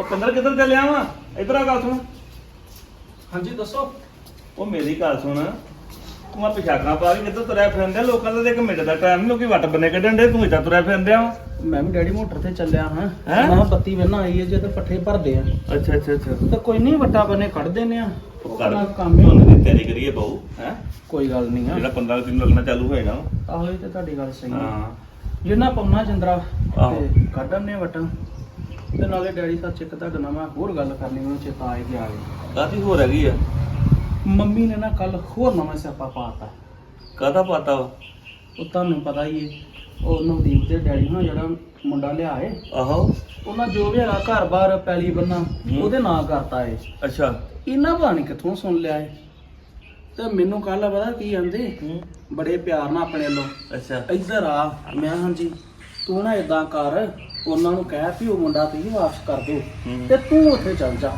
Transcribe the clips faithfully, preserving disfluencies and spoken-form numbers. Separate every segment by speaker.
Speaker 1: ਉਹ ਪਿੰਦਰ ਕਿੱਧਰ ਚੱਲਿਆ ਵਾ? ਇਧਰ ਆ ਗੱਲ ਸੁਣ।
Speaker 2: ਹਾਂਜੀ ਦੱਸੋ।
Speaker 1: ਉਹ ਮੇਰੀ ਗੱਲ ਸੁਣ, ਤੂੰ ਆ ਪਿਛਾਕਾਂ ਪਾ ਕੇ ਕਿੱਧਰ ਤੁਰਿਆ ਫਿਰਦੇ? ਲੋਕਾਂ ਦਾ ਤੇ ਇੱਕ ਮਿੰਟ ਦਾ ਟਾਈਮ ਨਹੀਂ, ਲੋਕੀ ਵੱਟ ਬੰਨੇ ਕੱਢਣ ਦੇ, ਤੂੰ ਇੱਦਾਂ ਤੁਰਿਆ ਫਿਰਦੇ ਆ।
Speaker 2: ਮੈਂ ਵੀ ਡੈਡੀ ਮੋਟਰ ਤੇ ਚੱਲਿਆ ਹਾਂ।
Speaker 1: ਹੈਂ?
Speaker 2: ਮੈਂ ਕਿਹਾ ਬੱਤੀ ਵੇਨਾ ਆਈ ਹੈ ਜੇ ਤੇ ਪੱਠੇ ਭਰਦੇ ਆ
Speaker 1: ਅੱਛਾ ਅੱਛਾ ਅੱਛਾ।
Speaker 2: ਤਾਂ ਕੋਈ ਨਹੀਂ ਵੱਟਾ ਬੰਨੇ ਕੱਢ ਦਿੰਨੇ ਆ।
Speaker 1: ਕਰ
Speaker 2: ਆਪਣਾ ਕੰਮ ਹੀ
Speaker 1: ਝੋਨੇ ਦੀ ਤਿਆਰੀ ਕਰੀਏ ਬਹੁ ਹੈ।
Speaker 2: ਕੋਈ ਗੱਲ ਨਹੀਂ ਆ।
Speaker 1: ਜਿਹੜਾ ਪੰਦਰਾਂ ਦਿਨ ਲੱਗਣਾ ਚਾਲੂ ਹੋਏਗਾ।
Speaker 2: ਆਹੋ ਇਹ ਤੇ ਤੁਹਾਡੀ ਗੱਲ ਸਹੀ ਹੈ।
Speaker 1: ਹਾਂ
Speaker 2: ਜਿੰਨਾ ਪਾਉਣਾ ਜਿੰਦਰਾ
Speaker 1: ਆਹੋ।
Speaker 2: ਤੇ ਕੱਢਣੇ ਵਟਾਂ ਤੇ ਨਾਲੇ ਡੈਡੀ ਸੱਚ ਇੱਕ ਤੁਹਾਡੇ ਨਾਲ ਮੈਂ ਹੋਰ ਗੱਲ ਕਰਨੀ ਮੈਨੂੰ ਚੇਤਾ ਆ ਗਿਆ।
Speaker 1: ਕਾਹਦੀ ਹੋਰ ਹੈਗੀ ਆ?
Speaker 2: ਮੰਮੀ ਨੇ ਨਾ ਕੱਲ ਹੋਰ ਨਵਾਂ ਸਿਆਪਾ ਪਾਤਾ।
Speaker 1: ਕਾਹਦਾ ਪਤਾ ਵਾ?
Speaker 2: ਉਹ ਤੁਹਾਨੂੰ ਪਤਾ ਹੀ ਹੈ ਉਹ ਨਵਦੀਪ ਦੇ ਡੈਡੀ ਨਾਲ ਜਿਹੜਾ ਮੁੰਡਾ ਲਿਆਏ
Speaker 1: ਆਹੋ।
Speaker 2: ਉਹਨਾਂ ਜੋ ਵੀ ਹੈਗਾ ਘਰ-ਬਾਰ ਪੈਲੀ ਬੰਨਾ ਉਹਦੇ ਨਾਂ ਕਰਤਾ ਏ।
Speaker 1: ਅੱਛਾ।
Speaker 2: ਇਹਨਾਂ ਪਤਾ ਨਹੀਂ ਕਿੱਥੋਂ ਸੁਣ ਲਿਆ ਏ ਤੇ ਮੈਨੂੰ ਕੱਲ ਪਤਾ ਕੀ ਕਹਿੰਦੇ ਬੜੇ ਪਿਆਰ ਨਾਲ ਆਪਣੇ ਵੱਲੋਂ
Speaker 1: ਅੱਛਾ।
Speaker 2: ਇੱਧਰ ਆ। ਮੈਂ ਹਾਂਜੀ ਤੂੰ ਨਾ ਇਦਾਂ ਕਰ ਉਹਨਾਂ ਨੂੰ ਕਹਿ ਵੀ ਉਹ ਮੁੰਡਾ ਤੁਸੀਂ ਵਾਪਸ ਕਰ ਦਿਓ ਤੇ ਤੂੰ ਉੱਥੇ ਚੱਲ ਜਾ।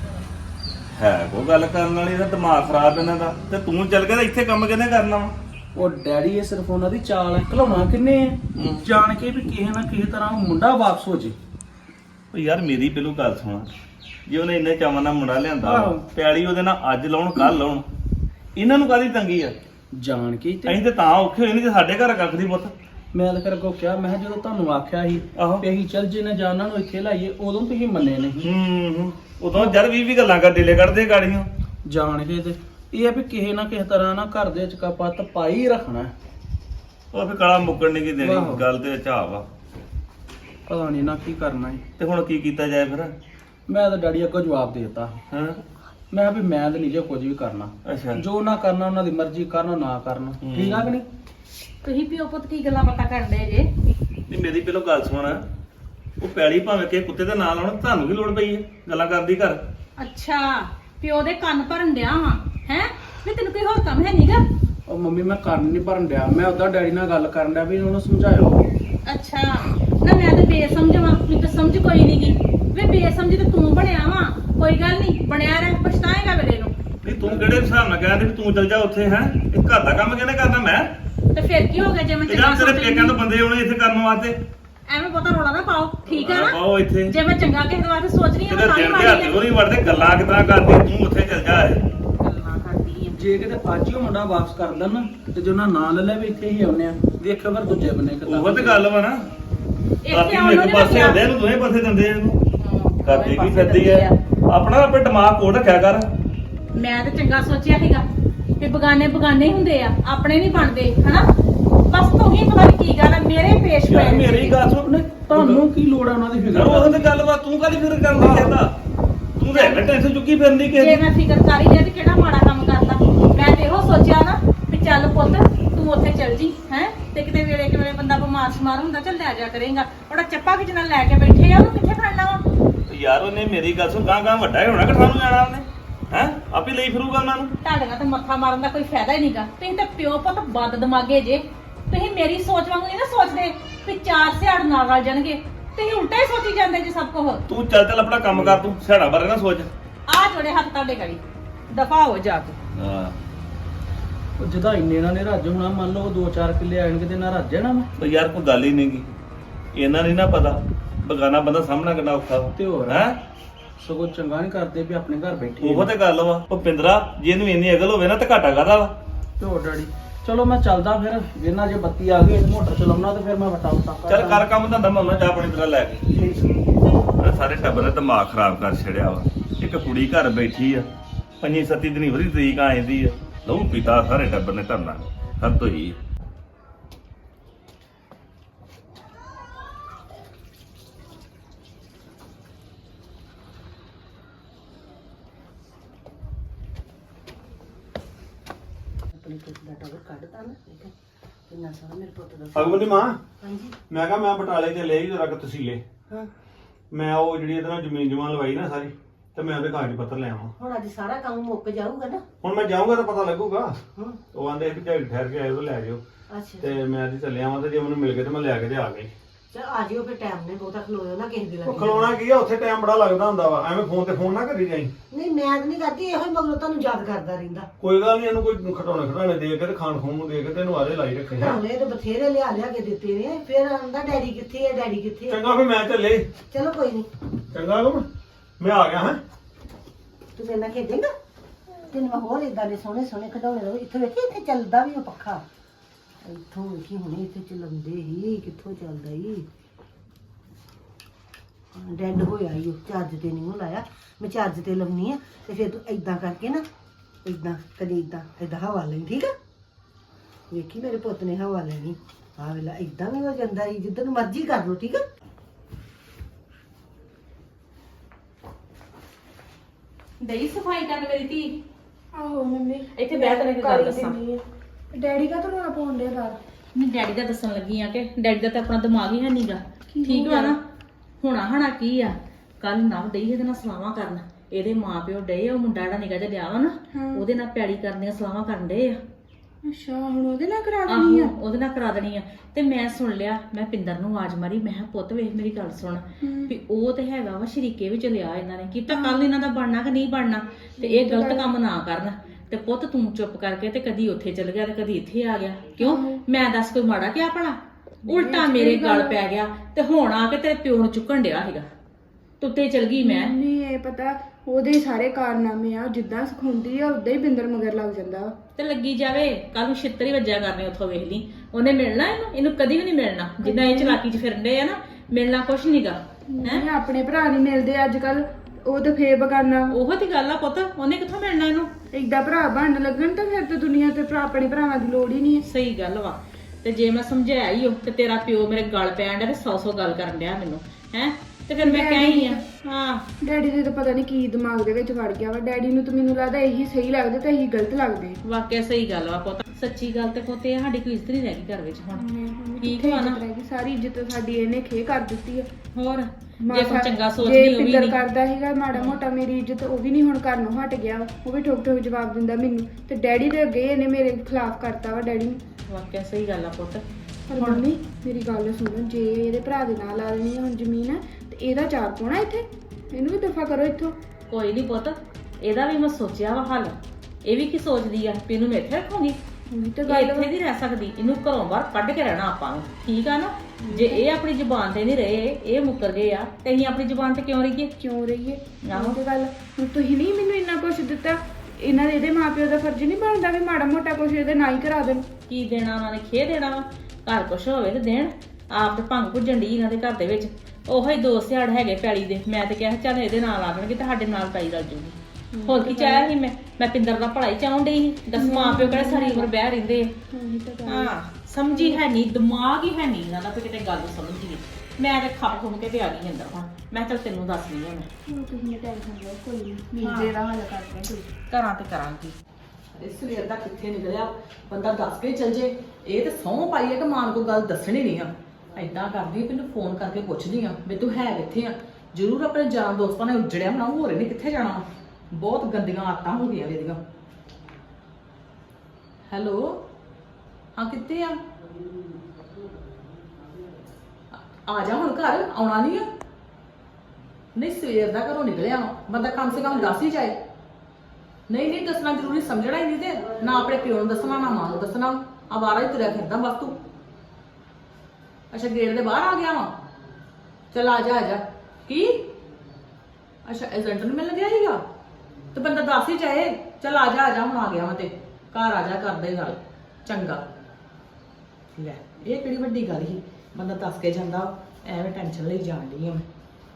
Speaker 1: ਹੈ ਕੋ ਗੱਲ ਕਰਨ ਵਾਲੀ? ਇਹਦਾ ਦਿਮਾਗ ਖਰਾਬ ਇਹਨਾਂ ਦਾ। ਤੇ ਤੂੰ ਚੱਲ ਗਿਆ ਤਾਂ ਇੱਥੇ ਕੰਮ ਕਿਹਨੇ ਕਰਨਾ ਵਾ?
Speaker 2: ਉਹ ਡੈਡੀ ਇਹ ਸਿਰਫ ਉਹਨਾਂ ਦੀ ਚਾਲ ਹੈ। ਘਲਾਉਣਾ ਕਿੰਨੇ ਹੈ? ਜਾਣ ਕੇ ਵੀ ਕਿਸੇ ਨਾ ਕਿਸੇ ਤਰ੍ਹਾਂ ਉਹ ਮੁੰਡਾ ਵਾਪਸ ਹੋ ਜੇ।
Speaker 1: ਉਹ ਯਾਰ ਮੇਰੀ ਪਹਿਲੋਂ ਗੱਲ ਸੁਣ, ਜੇ ਉਹਨੇ ਇੰਨੇ ਚਾਵਾਂ ਨਾਲ ਮੁੰਡਾ ਲਿਆਂਦਾ ਵਾ,
Speaker 2: ਆਹੋ।
Speaker 1: ਪਿਆਲੀ ਉਹਦੇ ਨਾਲ ਅੱਜ ਲਾਉਣ ਕੱਲ ਲਾਉਣ, ਇਹਨਾਂ ਨੂੰ ਕਾਹਦੀ ਤੰਗੀ ਆ?
Speaker 2: ਜਾਣ ਕੇ ਹੀ ਤੇ
Speaker 1: ਅਸੀਂ ਤੇ ਤਾਂ ਔਖੇ ਹੋਏ ਨੇ ਜੇ ਸਾਡੇ ਘਰ ਕੱਖ ਦੀ ਪੁੱਤ।
Speaker 2: ਮੈਂ ਤਾਂ ਫਿਰ ਅੱਗੋਂ ਕਿਹਾ ਮੈਂ ਕਿਹਾ ਜਦੋਂ ਤੁਹਾਨੂੰ ਆਖਿਆ ਸੀ
Speaker 1: ਆਹੋ।
Speaker 2: ਵੀ ਅਸੀਂ ਚੱਲ ਜੇ ਨਾ ਜਾਨਾਂ ਨੂੰ ਇੱਥੇ ਲਾਈਏ ਉਦੋਂ ਤੁਸੀਂ ਮੰਨੇ ਨਹੀਂ।
Speaker 1: ਹੂੰ ਹੂੰ। ਉਦੋਂ ਜਦ ਵੀਹ ਵੀਹ ਗੱਲਾਂ ਕਰ ਡੇਲੇ ਕੱਢਦੇ ਗਾੜੀਆਂ।
Speaker 2: ਜਾਣ ਕੇ ਤੇ ਇਹ ਆ ਵੀ ਕਿਸੇ ਨਾ ਕਿਸੇ ਤਰ੍ਹਾਂ ਨਾ ਘਰ ਦੇ ਵਿੱਚ ਕਪੱਤ ਪਾਈ ਰੱਖਣਾ।
Speaker 1: ਉਹ ਫਿਰ ਕਾਲਾ ਮੁੱਕਣ ਨਹੀਂ ਕੀ ਦੇਣੀ
Speaker 2: ਆਹੋ।
Speaker 1: ਗੱਲ ਤੇ ਝਾਵ ਆ।
Speaker 2: ਪਤਾ ਨਹੀਂ ਨਾ ਕੀ ਕਰਨਾ ਹੈ।
Speaker 1: ਤੇ ਹੁਣ ਕੀ ਕੀਤਾ ਜਾਏ ਫਿਰ?
Speaker 2: ਮੈਂ ਤਾਂ ਡੈਡੀ ਅੱਗੋਂ ਜਵਾਬ ਦੇ ਦਿੱਤਾ।
Speaker 1: ਹਾਂ।
Speaker 2: ਮੈਂ ਕਿਹਾ ਵੀ ਮੈਂ ਤਾਂ ਨਹੀਂ ਜੇ ਕੁਝ ਵੀ ਕਰਨਾ।
Speaker 1: ਅੱਛਾ।
Speaker 2: ਜੋ ਨਾ ਕਰਨਾ ਉਹਨਾਂ ਦੀ ਮਰਜ਼ੀ, ਕਰਨਾ ਨਾ ਕਰਨਾ। ਠੀਕ ਆ ਕਿ ਨਹੀਂ?
Speaker 3: ਤੁਸੀਂ ਪਿਓ ਪੁੱਤ ਕੀ ਗੱਲਾਂ ਬਾਤਾਂ ਕਰਦੇ ਜੇ?
Speaker 1: ਨਹੀਂ ਮੇਰੀ ਪਹਿਲੋਂ ਗੱਲ ਸੁਣ, ਉਹ ਪੈਲੀ ਭਾਵੇਂ ਕਿ ਕੁੱਤੇ ਦੇ ਨਾਂ ਲਾਉਣ, ਤੁਹਾਨੂੰ ਕੀ ਲੋੜ ਪਈ ਹੈ ਗੱਲਾਂ ਕਰਦੀ ਘਰ?
Speaker 3: ਅੱਛਾ ਪਿਓ ਦੇ ਕੰਨ ਭਰਨ ਡਿਆ ਵਾਂ ਹੈ ਵੀ ਤੈਨੂੰ ਕੋਈ ਹੋਰ ਕੰਮ ਹੈ ਨਹੀਂਗਾ?
Speaker 2: ਉਹ ਮੰਮੀ ਮੈਂ ਕੰਨ ਨਹੀਂ ਭਰਨ ਡਿਆ, ਮੈਂ ਉਦਾਂ ਡੈਡੀ ਨਾਲ ਗੱਲ ਕਰਨ ਡਿਆ ਵੀ ਉਹਨੂੰ ਸਮਝਾਇਓ।
Speaker 3: ਅੱਛਾ ਨਾ ਮੈਂ ਤਾਂ ਬੇਸਮਝ ਵਾਂ, ਮੈਨੂੰ ਤਾਂ ਸਮਝ ਕੋਈ ਨਹੀਂ ਗਈ ਵੇ ਬੇਸਮਝ ਤੇ ਤੂੰ ਬਣਿਆ ਵਾਂ। ਕੋਈ ਗੱਲ ਨਹੀਂ, ਬਣਿਆ ਰਹਿ, ਪਛਤਾਏਗਾ ਵੇਲੇ ਨੂੰ।
Speaker 1: ਨਹੀਂ ਤੂੰ ਕਿਹੜੇ ਹਿਸਾਬ ਨਾਲ ਕਹਿੰਦੇ ਵੀ ਤੂੰ ਚੱਲ ਜਾ ਉੱਥੇ? ਹੈ ਇਹ ਘਰ ਦਾ ਕੰਮ ਕਿਹਨੇ ਕਰਨਾ? ਮੈਂ
Speaker 3: ਤੇ ਫਿਰ ਕੀ ਹੋ ਗਿਆ ਜੇ ਮੈਂ
Speaker 1: ਤੇ ਜਾਂ ਤੇਰੇ ਪੇਕਿਆਂ ਤੋਂ ਬੰਦੇ ਆਉਣੇ ਇੱਥੇ ਕਰਨ ਵਾਸਤੇ?
Speaker 3: ਐਵੇਂ ਬਹੁਤਾ ਰੌਲਾ ਨਾ ਪਾਓ, ਠੀਕ ਆ ਨਾ?
Speaker 1: ਪਾਓ ਇੱਥੇ।
Speaker 3: ਜੇ ਮੈਂ ਚੰਗਾ ਕਿਸੇ ਦੇ ਵਾਸਤੇ ਸੋਚ ਰਹੀ ਹਾਂ
Speaker 1: ਕਿਤੇ
Speaker 3: ਤਾਂ ਹੀ
Speaker 1: ਦਿਨ
Speaker 3: ਮਾੜੀ
Speaker 1: ਦਿਹਾੜੇ ਉਹ ਨਹੀਂ ਵੜਦੇ, ਗੱਲਾਂ ਕਿਦਾਂ ਕਰਦੀ ਤੂੰ? ਉੱਥੇ ਚੱਲ ਜਾ। ਇਹ
Speaker 3: ਗੱਲਾਂ ਕਰਦੀ ਆ।
Speaker 2: ਜੇ ਕਿਤੇ ਅੱਜ ਹੀ ਉਹ ਮੁੰਡਾ ਵਾਪਸ ਕਰ ਦੇਣ ਨਾ ਤੇ ਜੇ ਉਹਨਾਂ ਨਾਂ ਲੈ ਲਿਆ ਵੀ ਇੱਥੇ ਹੀ ਆਉਨੇ ਆ, ਵੇਖਿਓ ਫਿਰ ਦੂਜੇ ਬੰਨੇ ਕਿੱਦਾਂ।
Speaker 1: ਉਹ ਤੇ ਗੱਲ ਵਾ ਨਾ,
Speaker 3: ਇੱਥੇ
Speaker 1: ਕਾਪੀ ਨੂੰ
Speaker 3: ਆਉਣ ਨੂੰ
Speaker 1: ਇੱਕ
Speaker 3: ਨੀ
Speaker 1: ਪਾਸੇ
Speaker 3: ਰੱਖਿਆ।
Speaker 1: ਹੁੰਦੇ ਇਹਨੂੰ ਦੋਵੇਂ ਪਾਸੇ ਦਿੰਦੇ ਇਹਨੂੰ।
Speaker 3: ਹਮ,
Speaker 1: ਕਰਦੀ
Speaker 3: ਦੋਵੇਂ
Speaker 1: ਕੀ
Speaker 3: ਪਾਸੇ
Speaker 1: ਫਿਰਦੀ ਹੈ?
Speaker 3: ਦਿੰਦੇ ਆ।
Speaker 1: ਆਪਣਾ ਆਪਣੇ ਦਿਮਾਗ ਕੋਲ ਰੱਖਿਆ ਕਰ।
Speaker 3: ਮੈਂ ਤਾਂ ਚੰਗਾ ਸੋਚਿਆ ਸੀਗਾ ਕਿ ਬਗਾਨੇ ਬਗਾਨੇ ਹੁੰਦੇ ਆ, ਆਪਣੇ ਨਹੀਂ ਬਣਦੇ ਹਨਾ। ਬਸ ਤੂੰ ਹੀ ਪਤਾ ਨੀ ਕੀ ਗੱਲ ਆ, ਮੇਰੇ ਪੇਸ਼
Speaker 1: ਯਾਰ
Speaker 3: ਪੈ
Speaker 1: ਮੇਰੀ ਗੱਲ ਸੁਣ,
Speaker 2: ਨਹੀਂ, ਤੁਹਾਨੂੰ ਕੀ ਲੋੜ ਆ ਉਹਨਾਂ ਦੀ ਫਿਕਰ
Speaker 1: ਉਹ
Speaker 2: ਕਰਨ
Speaker 1: ਤੇ
Speaker 2: ਦੀ?
Speaker 1: ਗੱਲ ਵਾ, ਤੂੰ ਕਾਹਦੀ ਫਿਕਰ ਕਰਦੀ ਕਹਿੰਦਾ? ਤੂੰ ਤੇ ਹੈਗਾ ਟੈਨਸ਼ਨ ਚੁੱਕੀ ਫਿਰਦੀ
Speaker 3: ਜੇ
Speaker 1: ਕਿ
Speaker 3: ਮੈਂ ਫਿਕਰ ਕਰ ਹੀ ਲਿਆ ਤੇ ਕਿਹੜਾ ਮਾੜਾ ਕੰਮ ਕਰਤਾ। ਮੈਂ ਤੇ ਇਹੋ ਸੋਚਿਆ ਨਾ ਵੀ ਚੱਲ ਪੁੱਤ ਤੂੰ ਉੱਥੇ ਚੱਲ ਜੀ ਹੈ ਤੇ ਕਿਤੇ ਵੇਲੇ ਕਿ ਵੇਲੇ ਬੰਦਾ ਬਿਮਾਰ ਸ਼ਮਾਰ ਹੁੰਦਾ ਚੱਲ ਲੈ ਜਾ ਕਰੇਗਾ। ਉਹਦਾ ਚੱਪਾ ਕਿਚ ਨਾਲ ਲੈ ਕੇ ਬੈਠੇ ਆ, ਉਹਨੂੰ ਕਿੱਥੇ ਫੜਨਾ ਵਾ?
Speaker 1: ਯਾਰ ਉਹਨੇ ਮੇਰੀ ਗੱਲ ਸੁਣ, ਗਾਂ ਗਾਂ ਵੱਡਾ ਹੀ ਹੋਣਾ ਕਿ ਸਾਨੂੰ ਜਾਣਾ ਉਹਨੇ? ਹੈ ਆਪੇ ਲਈ ਫਿਰੂਗਾ ਉਹਨਾਂ ਨੂੰ।
Speaker 3: ਤੁਹਾਡੇ ਨਾਲ ਤੇ ਮੱਥਾ ਮਾਰਨ ਦਾ ਕੋਈ ਫਾਇਦਾ ਹੀ ਨਹੀਂਗਾ। ਤੁਸੀਂ ਤੇ ਪਿਓ ਪੁੱਤ ਬੰਦ ਦਿਮਾਗੇ ਜੇ। ਤੁਸੀਂ ਮੇਰੀ ਸੋਚ ਵਾਂਗੂ ਨਹੀਂ ਨਾ ਸੋਚਦੇ ਵੀ ਚਾਰ ਸਿਆੜ ਨਾਲ ਰਲ ਜਾਣਗੇ। ਤੁਸੀਂ ਉਲਟਾ ਹੀ ਸੋਚੀ ਜਾਂਦੇ ਜੇ ਸਭ ਕੁਝ।
Speaker 1: ਤੂੰ ਚੱਲ ਚੱਲ ਆਪਣਾ ਕੰਮ ਕਰ, ਤੂੰ ਸਿਆੜਾ ਬਾਰੇ ਨਾ ਸੋਚ।
Speaker 3: ਆ ਜੋੜੇ ਹੱਥ ਤੁਹਾਡੇ ਗੜੀ ਦਫਾ ਹੋ ਜਾ ਕੇ।
Speaker 1: ਹਾਂ
Speaker 2: ਉਹ ਜਿਹਦਾ ਇੰਨੇ ਨਾਲ ਨੇ ਰੱਜ ਹੋਣਾ, ਮੰਨ ਲਓ ਦੋ ਚਾਰ ਕਿੱਲੇ ਆਣਗੇ ਤੇ ਨਾ ਰੱਜ ਜਾਣਾ ਮੈਂ।
Speaker 1: ਉਹ ਯਾਰ ਕੋਈ ਗੱਲ ਹੀ ਨਹੀਂਗੀ, ਇਹਨਾਂ ਨਹੀਂ ਨਾ ਪਤਾ ਬਗਾਨਾ ਬੰਦਾ ਸਾਹਮਣਾ ਕਿੰਨਾ ਔਖਾ ਵਾ।
Speaker 2: ਤੇ ਹੋਰ
Speaker 1: ਹੈ
Speaker 2: ਸਗੋਂ ਚੰਗਾ ਨਹੀਂ ਕਰਦੇ ਵੀ ਆਪਣੇ ਘਰ ਬੈਠੇ
Speaker 1: ਉਹ ਤੇ ਗੱਲ ਵਾ। ਉਹ ਪਿੰਦਰਾ ਜੇ ਇਹਨੂੰ ਇੰਨੀ ਅਕਲ ਹੋਵੇ ਨਾ ਤੇ ਘਾਟਾ ਕਾਹਦਾ ਵਾ?
Speaker 2: ਤੇ ਹੋਰ ਡੈਡੀ ਚਲੋ ਮੈਂ ਚੱਲਦਾ ਫਿਰ ਵੇਨਾ, ਜੇ ਬੱਤੀ ਆ ਗਈ ਮੋਟਰ ਚਲਾਉਣਾ ਤੇ ਫਿਰ ਮੈਂ ਵਟਾ ਉਟਾ
Speaker 1: ਚੱਲ ਕਰ ਕੰਮ ਧੰਦਾ, ਮੈਂ ਉਹਨਾਂ ਚਾਹ ਪਾਣੀ ਤੇਰਾ ਲੈ ਕੇ। ਇਹ ਸਾਰੇ ਟੱਬਰ ਨੇ ਦਿਮਾਗ ਖਰਾਬ ਕਰ ਛੜਿਆ ਵਾ। ਇੱਕ ਕੁੜੀ ਘਰ ਬੈਠੀ ਆ, ਪੰਜੀ ਸੱਤੀ ਦਿਨੀ ਵਧੀ ਤਰੀਕ ਆ ਜਾਂਦੀ ਆ, ਲਹੂ ਪੀਤਾ ਸਾਰੇ ਟੱਬਰ ਨੇ ਧਰਨਾ ਹੱਦ ਹੋਈ।
Speaker 4: ਭਗਵਤੀ ਮਾਂ,
Speaker 3: ਹਾਂਜੀ
Speaker 4: ਮੈਂ ਕਿਹਾ ਮੈਂ ਬਟਾਲੇ ਚੱਲਿਆ ਸੀ ਜਰਾ ਕਿ ਤਸੀਲੇ।
Speaker 3: ਹਾਂ
Speaker 4: ਮੈਂ ਉਹ ਜਿਹੜੀ ਇਹਦੇ ਨਾਲ ਜ਼ਮੀਨ ਜਮਾ ਲਵਾਈ ਨਾ ਸਾਰੀ, ਤੇ ਮੈਂ ਉਹਦੇ ਕਾਗਜ਼ ਪੱਤਰ ਲੈ ਆਵਾਂ।
Speaker 3: ਹੁਣ ਅੱਜ ਸਾਰਾ ਕੰਮ ਮੁੱਕ ਜਾਊਗਾ ਨਾ।
Speaker 4: ਹੁਣ ਮੈਂ ਜਾਊਂਗਾ ਤਾਂ ਪਤਾ ਲੱਗੂਗਾ।
Speaker 3: ਹਾਂ
Speaker 4: ਉਹ ਆਂਦੇ ਵੀ ਝਾੜੀ ਠਹਿਰ ਕੇ ਆਇਓ ਲੈ ਜਾਓ,
Speaker 3: ਅੱਛਾ
Speaker 4: ਤੇ ਮੈਂ ਅੱਜ ਚੱਲਿਆ ਵਾਂ ਤੇ ਜੇ ਮੈਨੂੰ ਮਿਲ ਗਏ ਤੇ ਮੈਂ ਲੈ ਕੇ ਤੇ ਆ ਗਈ।
Speaker 3: ਚਲ ਆ ਜਿਓ ਫਿਰ ਟਾਈਮ ਨੇ ਬਹੁਤਾ ਖਲੋਇਓ ਨਾ ਕਿਸੇ ਦੇ
Speaker 4: ਉਹ
Speaker 3: ਲੱਗੇ।
Speaker 4: ਖਲੋਣਾ ਕੀ ਆ, ਉੱਥੇ ਟਾਈਮ ਬੜਾ ਲੱਗਦਾ ਹੁੰਦਾ ਵਾ, ਐਵੇਂ ਫੋਨ ਤੇ ਫੋਨ ਨਾ ਕਰੀ ਜਾਈ।
Speaker 3: ਨਹੀਂ ਮੈਂ ਤਾਂ ਨਹੀਂ ਕਰਦੀ, ਇਹੋ ਹੀ ਮਗਰੋਂ ਤੁਹਾਨੂੰ ਯਾਦ ਕਰਦਾ ਰਹਿੰਦਾ।
Speaker 4: ਕੋਈ ਗੱਲ ਨਹੀਂ, ਇਹਨੂੰ ਕੋਈ ਖਟਾਉਣੇ ਖਟਾਉਣੇ ਦੇ ਕੇ ਤੇ ਖਾਣ ਖੂਨ ਨੂੰ ਦੇ ਕੇ ਤੇ ਇਹਨੂੰ ਆਦੇ ਲਾਈ ਰੱਖੇ ਹੈ।
Speaker 3: ਉਹਨੇ ਤੇ ਬਥੇਰੇ ਲਿਆ ਲਿਆ ਕੇ ਦਿੱਤੇ ਨੇ, ਫਿਰ ਆਂਦਾ ਡੈਡੀ ਕਿੱਥੇ ਹੈ ਡੈਡੀ ਕਿੱਥੇ ਹੈ।
Speaker 4: ਚੰਗਾ ਫਿਰ ਮੈਂ ਚੱਲੇ।
Speaker 3: ਚਲੋ ਕੋਈ ਨਹੀਂ।
Speaker 4: ਚੰਗਾ ਕਮ ਮੈਂ ਆ ਗਿਆ ਹਾਂ।
Speaker 5: ਤੂੰ ਮੇਰੇ ਨਾਲ ਖੇਡੇਂਗਾ? ਤੈਨੂੰ ਮੈਂ ਹੋਰ ਏਦਾਂ ਦੇ ਸੋਹਣੇ ਸੋਹਣੇ ਖਿਡੌਣੇ ਦਊਂ। ਇੱਥੇ ਵੇਖੀ, ਇੱਥੇ ਚੱਲਦਾ ਵੀ ਉਹ ਪੱਖਾ। ਇੱਥੋਂ ਵੇਖੀ ਹੁਣੇ ਇੱਥੇ ਚਲਾਉਂਦੇ ਹੀ, ਕਿੱਥੋਂ ਚੱਲਦਾ ਹੀ। ਡੈਡ ਹੋਇਆ ਹੀ ਉਹ, ਚਾਰਜ ਤੇ ਨਹੀਂ ਉਹ ਲਾਇਆ। ਮੈਂ ਚਾਰਜ ਤੇ ਲਾਉਣੀ ਆ ਤੇ ਫਿਰ ਤੂੰ ਏਦਾਂ ਕਰਕੇ ਨਾ, ਏਦਾਂ ਕਦੀ ਏਦਾਂ ਏਦਾਂ ਹਵਾ ਲਈ, ਠੀਕ ਆ? ਵੇਖੀ ਮੇਰੇ ਪੁੱਤ ਨੇ ਹਵਾ ਲੈਣੀ। ਆ ਵੇਲਾ ਏਦਾਂ ਵੀ ਹੋ ਜਾਂਦਾ ਹੀ, ਜਿੱਦਾਂ ਮਰਜ਼ੀ ਕਰ ਲਓ, ਠੀਕ ਆ?
Speaker 3: ਦਈ ਸਫਾਈ ਕਰਨ ਮੇਰੀ ਧੀ।
Speaker 6: ਆਹੋ ਮੰਮੀ
Speaker 3: ਇੱਥੇ ਬਹਿ ਤੈਨੂੰ ਇੱਕ ਗੱਲ ਦੱਸਾਂ।
Speaker 6: ਡੈਡੀ ਕਾ ਰੋਣਾ ਪਾਉਣ ਦੇ ਬਾਹਰ।
Speaker 3: ਮੈਂ ਡੈਡੀ ਦਾ ਦੱਸਣ ਲੱਗੀ ਆ ਕਿ ਡੈਡੀ ਦਾ ਤਾਂ ਆਪਣਾ ਦਿਮਾਗ ਹੀ ਹੈ ਨਹੀਂਗਾ। ਠੀਕ ਵਾ ਨਾ? ਹੋਣਾ ਹਣਾ ਕੀ ਆ, ਕੱਲ ਨਵ ਡਈ ਇਹਦੇ ਨਾਲ ਸਲਾਹਾਂ ਕਰਨ। ਇਹਦੇ ਮਾਂ ਪਿਓ ਡਏ ਆ, ਉਹ ਮੁੰਡਾ ਜਿਹੜਾ ਨਿਕਾ ਜਿਹਾ ਲਿਆ ਵਾ ਨਾ, ਉਹਦੇ ਨਾਲ ਪੈੜੀ ਕਰਨ ਦੀਆਂ ਸਲਾਹਾਂ ਕਰਨ ਡਏ ਆ।
Speaker 6: ਅੱਛਾ, ਹੁਣ ਉਹਦੇ ਨਾਲ ਕਰਾ ਦੇਣੀ ਆ?
Speaker 3: ਆਹੋ, ਉਹਦੇ ਨਾਲ ਕਰਾ ਦੇਣੀ ਆ। ਤੇ ਮੈਂ ਸੁਣ ਲਿਆ, ਮੈਂ ਪਿੰਦਰ ਨੂੰ ਆਵਾਜ਼ ਮਾਰੀ, ਮੈਂ ਕਿਹਾ ਪੁੱਤ ਵੇਖ ਮੇਰੀ ਗੱਲ ਸੁਣ ਵੀ ਉਹ ਤੇ ਹੈਗਾ ਵਾ ਸ਼ਰੀਕੇ ਵਿੱਚ ਲਿਆ ਇਹਨਾਂ ਨੇ, ਕੀਤਾ ਕੱਲ ਇਹਨਾਂ ਦਾ ਬਣਨਾ ਕਿ ਨਹੀਂ ਬਣਨਾ, ਤੇ ਇਹ ਗਲਤ ਕੰਮ ਨਾ ਕਰਨ। ਤੇ ਪੁੱਤ ਤੂੰ ਚੁੱਪ ਕਰਕੇ ਤੇ ਕਦੀ ਉੱਥੇ ਚਲ ਗਿਆ ਤੇ ਕਦੀ ਇੱਥੇ ਆ ਗਿਆ। ਕਿਉਂ? ਮੈਂ ਦੱਸ ਕੋਈ ਮਾੜਾ ਕਿਹਾ ਭਲਾ? ਉਲਟਾ ਮੇਰੇ ਗਲ ਪੈ ਗਿਆ ਤੇ ਹੁਣ ਆ ਕੇ ਤੇਰੇ ਪਿਓ ਨੂੰ ਚੁੱਕਣ ਡਿਆ ਹੈਗਾ। ਤੁੱਤੇ ਚਲ ਗਈ ਮੈਂ।
Speaker 6: ਨਹੀਂ ਇਹ ਪਤਾ ਉਹਦੇ ਸਾਰੇ ਕਾਰਨਾਮੇ ਆ, ਜਿੱਦਾਂ ਸਿਖਾਉਂਦੀ ਆ ਉਦਾਂ ਹੀ ਬਿੰਦਰ ਮਗਰ ਲੱਗ ਜਾਂਦਾ ਵਾ।
Speaker 3: ਤੇ ਲੱਗੀ ਜਾਵੇ, ਕੱਲ ਨੂੰ ਛਿੱਤਰ ਹੀ ਵੱਜਿਆ ਕਰਨੇ ਉੱਥੋਂ, ਵੇਖ ਲਈ ਉਹਨੇ ਮਿਲਣਾ ਇਹਨੂੰ, ਇਹਨੂੰ ਕਦੀ ਵੀ ਨਹੀਂ ਮਿਲਣਾ। ਜਿੱਦਾਂ ਇਹ ਚਲਾਕੀ 'ਚ ਫਿਰਨ ਡਏ ਆ ਨਾ, ਮਿਲਣਾ ਕੁਛ ਨਹੀਂਗਾ।
Speaker 6: ਨਹੀਂ ਆਪਣੇ ਭਰਾ ਨਹੀਂ ਮਿਲਦੇ ਅੱਜ ਕੱਲ, ਉਹ ਤਾਂ ਫੇਰ ਬਗਾਨਾ।
Speaker 3: ਉਹੋ ਤੇ ਗੱਲ ਆ ਪੁੱਤ, ਉਹਨੇ ਕਿੱਥੋਂ ਮਿਲਣਾ ਇਹਨੂੰ?
Speaker 6: ਏਦਾਂ ਭਰਾ ਬਣਨ ਲੱਗਣ ਤਾਂ ਫਿਰ ਤਾਂ ਦੁਨੀਆ ਤੇ ਭਰਾ ਆਪਣੇ ਭਰਾਵਾਂ ਦੀ ਲੋੜ ਹੀ ਨਹੀਂ ਹੈ।
Speaker 3: ਸਹੀ ਗੱਲ ਵਾ। ਤੇ ਜੇ ਮੈਂ ਸਮਝਾਇਆ ਹੀ ਉਹ ਤੇ ਤੇਰਾ ਪਿਓ ਮੇਰੇ ਗਲ ਪੈਣ ਡਿਆ ਤੇ ਸੌ ਸੌ ਗੱਲ ਕਰਨ ਡਿਆ ਮੈਨੂੰ, ਹੈ? ਤੇ ਫਿਰ ਮੈਂ ਕਹੀ ਆ। ਹਾਂ,
Speaker 6: ਡੈਡੀ ਦੇ ਤਾਂ ਪਤਾ ਨਹੀਂ ਕੀ ਦਿਮਾਗ ਦੇ ਵਿੱਚ ਵੜ ਗਿਆ ਵਾ। ਡੈਡੀ ਨੂੰ ਤਾਂ ਮੈਨੂੰ ਲੱਗਦਾ ਇਹੀ ਸਹੀ ਲੱਗਦਾ ਤੇ ਇਹੀ ਗਲਤ ਲੱਗਦੇ।
Speaker 3: ਵਾਕਿਆ ਸਹੀ ਗੱਲ ਵਾ ਪੁੱਤ, ਸੱਚੀ ਗੱਲ। ਤੇ ਪੁੱਤ ਇਹ ਸਾਡੀ ਕੋਈ ਇੱਜ਼ਤ ਨਹੀਂ ਰਹਿ ਗਈ ਘਰ ਵਿੱਚ ਹੁਣ। ਠੀਕ
Speaker 6: ਕਿੱਥੇ
Speaker 3: ਵਾ ਨਾ?
Speaker 6: ਇੱਜ਼ਤ ਰਹਿ ਗਈ? ਸਾਰੀ ਇੱਜ਼ਤ ਸਾਡੀ ਇਹਨੇ ਖੇ ਕਰ ਦਿੱਤੀ ਆ।
Speaker 3: ਹੋਰ ਜੇ
Speaker 6: ਮਾਸਾ-
Speaker 3: ਕੋਈ ਚੰਗਾ
Speaker 6: ਜੇ
Speaker 3: ਸੋਚਦੀ ਉਹ ਵੀ
Speaker 6: ਪਿੰਦਰ
Speaker 3: ਨਹੀਂ।
Speaker 6: ਕਰਦਾ ਸੀਗਾ ਮਾੜਾ ਮੋਟਾ ਮੇਰੀ ਇੱਜ਼ਤ, ਉਹ ਵੀ ਨਹੀਂ ਹੁਣ ਕਰਨ ਨੂੰ ਹਟ ਗਿਆ ਵਾ। ਉਹ ਵੀ ਠੋਕ ਠੋਕ ਜਵਾਬ ਦਿੰਦਾ ਮੈਨੂੰ। ਤੇ ਡੈਡੀ ਦੇ ਅੱਗੇ ਇਹਨੇ ਮੇਰੇ ਖਿਲਾਫ ਕਰਤਾ ਵਾ ਡੈਡੀ ਨੂੰ।
Speaker 3: ਵਾਕਿਆ ਸਹੀ ਗੱਲ ਆ ਪੁੱਤ।
Speaker 6: ਪਰ ਮੰਮੀ ਮੇਰੀ ਗੱਲ ਸੁਣੋ, ਜੇ ਇਹਦੇ ਭਰਾ ਦੇ ਨਾਲ ਲਾ ਲੈਣੀ ਆ ਹੁਣ ਜ਼ਮੀਨ, ਤੇ ਇਹਦਾ ਚਾਰ ਪਾਉਣਾ ਇੱਥੇ, ਇਹਨੂੰ ਵੀ ਦਫਾ ਕਰੋ ਇੱਥੋਂ।
Speaker 3: ਕੋਈ ਨਹੀਂ ਪੁੱਤ, ਇਹਦਾ ਵੀ ਮੈਂ ਸੋਚਿਆ ਵਾ ਹੱਲ। ਇਹ ਵੀ ਕੀ ਸੋਚਦੀ ਆ ਵੀ ਇਹਨੂੰ ਮੈਂ ਇੱਥੇ ਰੱਖੂੰਗੀ?
Speaker 6: ਉਹੀ ਤਾਂ
Speaker 3: ਇਹ
Speaker 6: ਗੱਲ
Speaker 3: ਇੱਥੇ ਨਹੀਂ ਰਹਿ ਸਕਦੀ, ਇਹਨੂੰ ਘਰੋਂ ਬਾਹਰ ਕੱਢ ਕੇ ਰਹਿਣਾ ਆਪਾਂ ਨੂੰ। ਠੀਕ ਆ ਨਾ? ਜੇ ਇਹ ਆਪਣੀ ਜ਼ੁਬਾਨ ਤੇ ਨਹੀਂ ਰਹੇ, ਇਹ ਮੁੱਕਰ ਗਏ ਆ, ਤੇ ਅਸੀਂ ਆਪਣੀ ਜ਼ੁਬਾਨ ਤੇ ਕਿਉਂ ਰਹੀਏ?
Speaker 6: ਕਿਉਂ ਰਹੀਏ?
Speaker 3: ਆਹੋ।
Speaker 6: ਉਹ ਤੇ ਗੱਲ ਹੁਣ ਤੁਸੀਂ ਨਹੀਂ ਮੈਨੂੰ ਇੰਨਾ ਕੁਛ ਦਿੱਤਾ, ਇਹਨਾਂ ਦੇ ਇਹਦੇ ਮਾਪਿਓ ਦਾ ਫਰਜ਼ ਨਹੀਂ ਬਣਦਾ ਵੀ ਮਾੜਾ ਮੋਟਾ ਕੁਛ ਇਹਦੇ ਨਾਲ ਹੀ ਕਰਾ ਦੇਣ।
Speaker 3: ਕੀ ਦੇਣਾ ਉਹਨਾਂ ਨੇ? ਖੇ ਦੇਣਾ ਵਾ। ਘਰ ਕੁਛ ਹੋਵੇ ਤੇ ਦੇਣ। ਆਪ ਤੇ ਭੰਗ ਭੁੱਜਣ ਡਈ ਇਹਨਾਂ ਦੇ ਘਰ ਦੇ ਵਿੱਚ। ਉਹੋ ਹੀ ਦੋ ਸਿਆੜ ਹੈਗੇ ਪੈਲੀ ਦੇ। ਮੈਂ ਤੇ ਕਿਹਾ ਚੱਲ ਇਹਦੇ ਨਾਲ ਆ ਜਾਣਗੇ ਤੇ ਸਾਡੇ ਨਾਲ ਪੈਲੀ ਰਲ ਜੂਗੀ। ਹੋਰ ਕੀ ਚਾਹਿਆ ਸੀ ਮੈਂ? ਮੈਂ ਪਿੰਦਰ ਦਾ ਭਲਾ ਹੀ ਚਾਹੁਣ ਡਈ ਸੀ। ਦਸ ਮਾਂ ਪਿਓ ਕਿਹੜੇ ਸਾਰੀ ਉਮਰ ਬਹਿ ਰਹਿੰਦੇ ਆ।
Speaker 6: ਉਹੀ ਤਾਂ ਗੱਲ।
Speaker 3: ਹਾਂ, ਸਮਝੀ ਹੈ ਨਹੀਂ, ਦਿਮਾਗ ਹੀ ਹੈ ਨਹੀਂ ਇਹਨਾਂ ਦਾ ਵੀ ਕਿਤੇ ਗੱਲ ਸਮਝੀਏ। ਮੈਂ ਤੇ ਖੱਪ ਖੁੰਮ ਕੇ ਤੇ ਆ ਗਈ ਅੰਦਰ ਹੁਣ। ਮੈਂ ਚੱਲ ਤੈਨੂੰ ਦੱਸਦੀ ਹਾਂ ਮੈਂ
Speaker 6: ਹੁਣ ਤੁਸੀਂ ਟੈਨਸ਼ਨ ਲਓ, ਕੋਈ ਨਹੀਂ ਮੀਜ਼ੇ ਦਾ ਹੱਲ ਕਰਦੇ ਹਾਂ ਕੋਈ।
Speaker 3: ਕਰਾਂ ਤੇ ਕਰਾਂਗੀ।
Speaker 7: ਇਸ ਸਵੇਰ ਦਾ ਕਿੱਥੇ ਨਿਕਲਿਆ? ਬੰਦਾ ਦੱਸ ਕੇ ਚੱਲ ਜੇ। ਇਹ ਤੇ ਸਹੁੰ ਪਾਈ ਹੈ ਕਿ ਮਾਨ ਕੋਈ ਗੱਲ ਦੱਸਣੀ ਨਹੀਂ ਆ। ਏਦਾਂ ਕਰਦੀ ਆ, ਮੈਨੂੰ ਫੋਨ ਕਰਕੇ ਪੁੱਛਦੀ ਆ ਵੀ ਤੂੰ ਹੈ ਕਿੱਥੇ ਆ। ਜ਼ਰੂਰ ਆਪਣੇ ਯਾਰਾਂ ਦੋਸਤਾਂ ਨੇ ਉੱਜੜਿਆ ਹੋਣਾ, ਹੋਰ ਇਹਨੇ ਕਿੱਥੇ ਜਾਣਾ। ਬਹੁਤ ਗੰਦੀਆਂ ਆਦਤਾਂ ਹੋ ਗਈਆਂ ਇਹਦੀਆਂ। ਹੈਲੋ, ਹਾਂ ਕਿੱਥੇ ਆ? ਆ ਜਾ ਹੁਣ ਘਰ, ਆਉਣਾ ਨਹੀਂ ਆ? ਨਹੀਂ ਸਵੇਰ ਦਾ ਘਰੋਂ ਨਿਕਲਿਆ ਵਾ, ਬੰਦਾ ਕਮ ਸੇ ਕਮ ਦੱਸ ਹੀ ਜਾਏ। ਨਹੀਂ ਨਹੀਂ ਦੱਸਣਾ ਜ਼ਰੂਰੀ, ਸਮਝਣਾ ਹੀ ਨਹੀਂ ਤੇ ਨਾ ਆਪਣੇ ਪਿਓ ਨੂੰ ਦੱਸਣਾ ਨਾ ਮਾਂ ਨੂੰ ਦੱਸਣਾ। ਆਵਾਰਾ ਹੀ ਤੁਰਿਆ ਫਿਰਦਾ ਬਸ ਤੂੰ। ਅੱਛਾ ਗੇਟ ਦੇ ਬਾਹਰ ਆ ਗਿਆ ਵਾ? ਚੱਲ ਆ ਜਾ ਆ ਜਾ। ਕੀ? ਅੱਛਾ ਏਜੰਟ ਨੂੰ ਮਿਲਣ ਗਿਆ ਸੀਗਾ? ਤੇ ਬੰਦਾ ਦੱਸ ਹੀ ਜਾਏ। ਚੱਲ ਆ ਜਾ ਆ ਜਾ, ਹੁਣ ਆ ਗਿਆ ਮੈਂ ਤੇ ਘਰ ਆ ਜਾ, ਕਰਦੇ ਗੱਲ। ਚੰਗਾ। ਲੈ ਇਹ ਕਿਹੜੀ ਵੱਡੀ ਗੱਲ ਸੀ, ਬੰਦਾ ਦੱਸ ਕੇ ਜਾਂਦਾ। ਐਵੇਂ ਟੈਨਸ਼ਨ ਲਈ ਜਾਣ ਡਈ ਆ ਮੈਂ।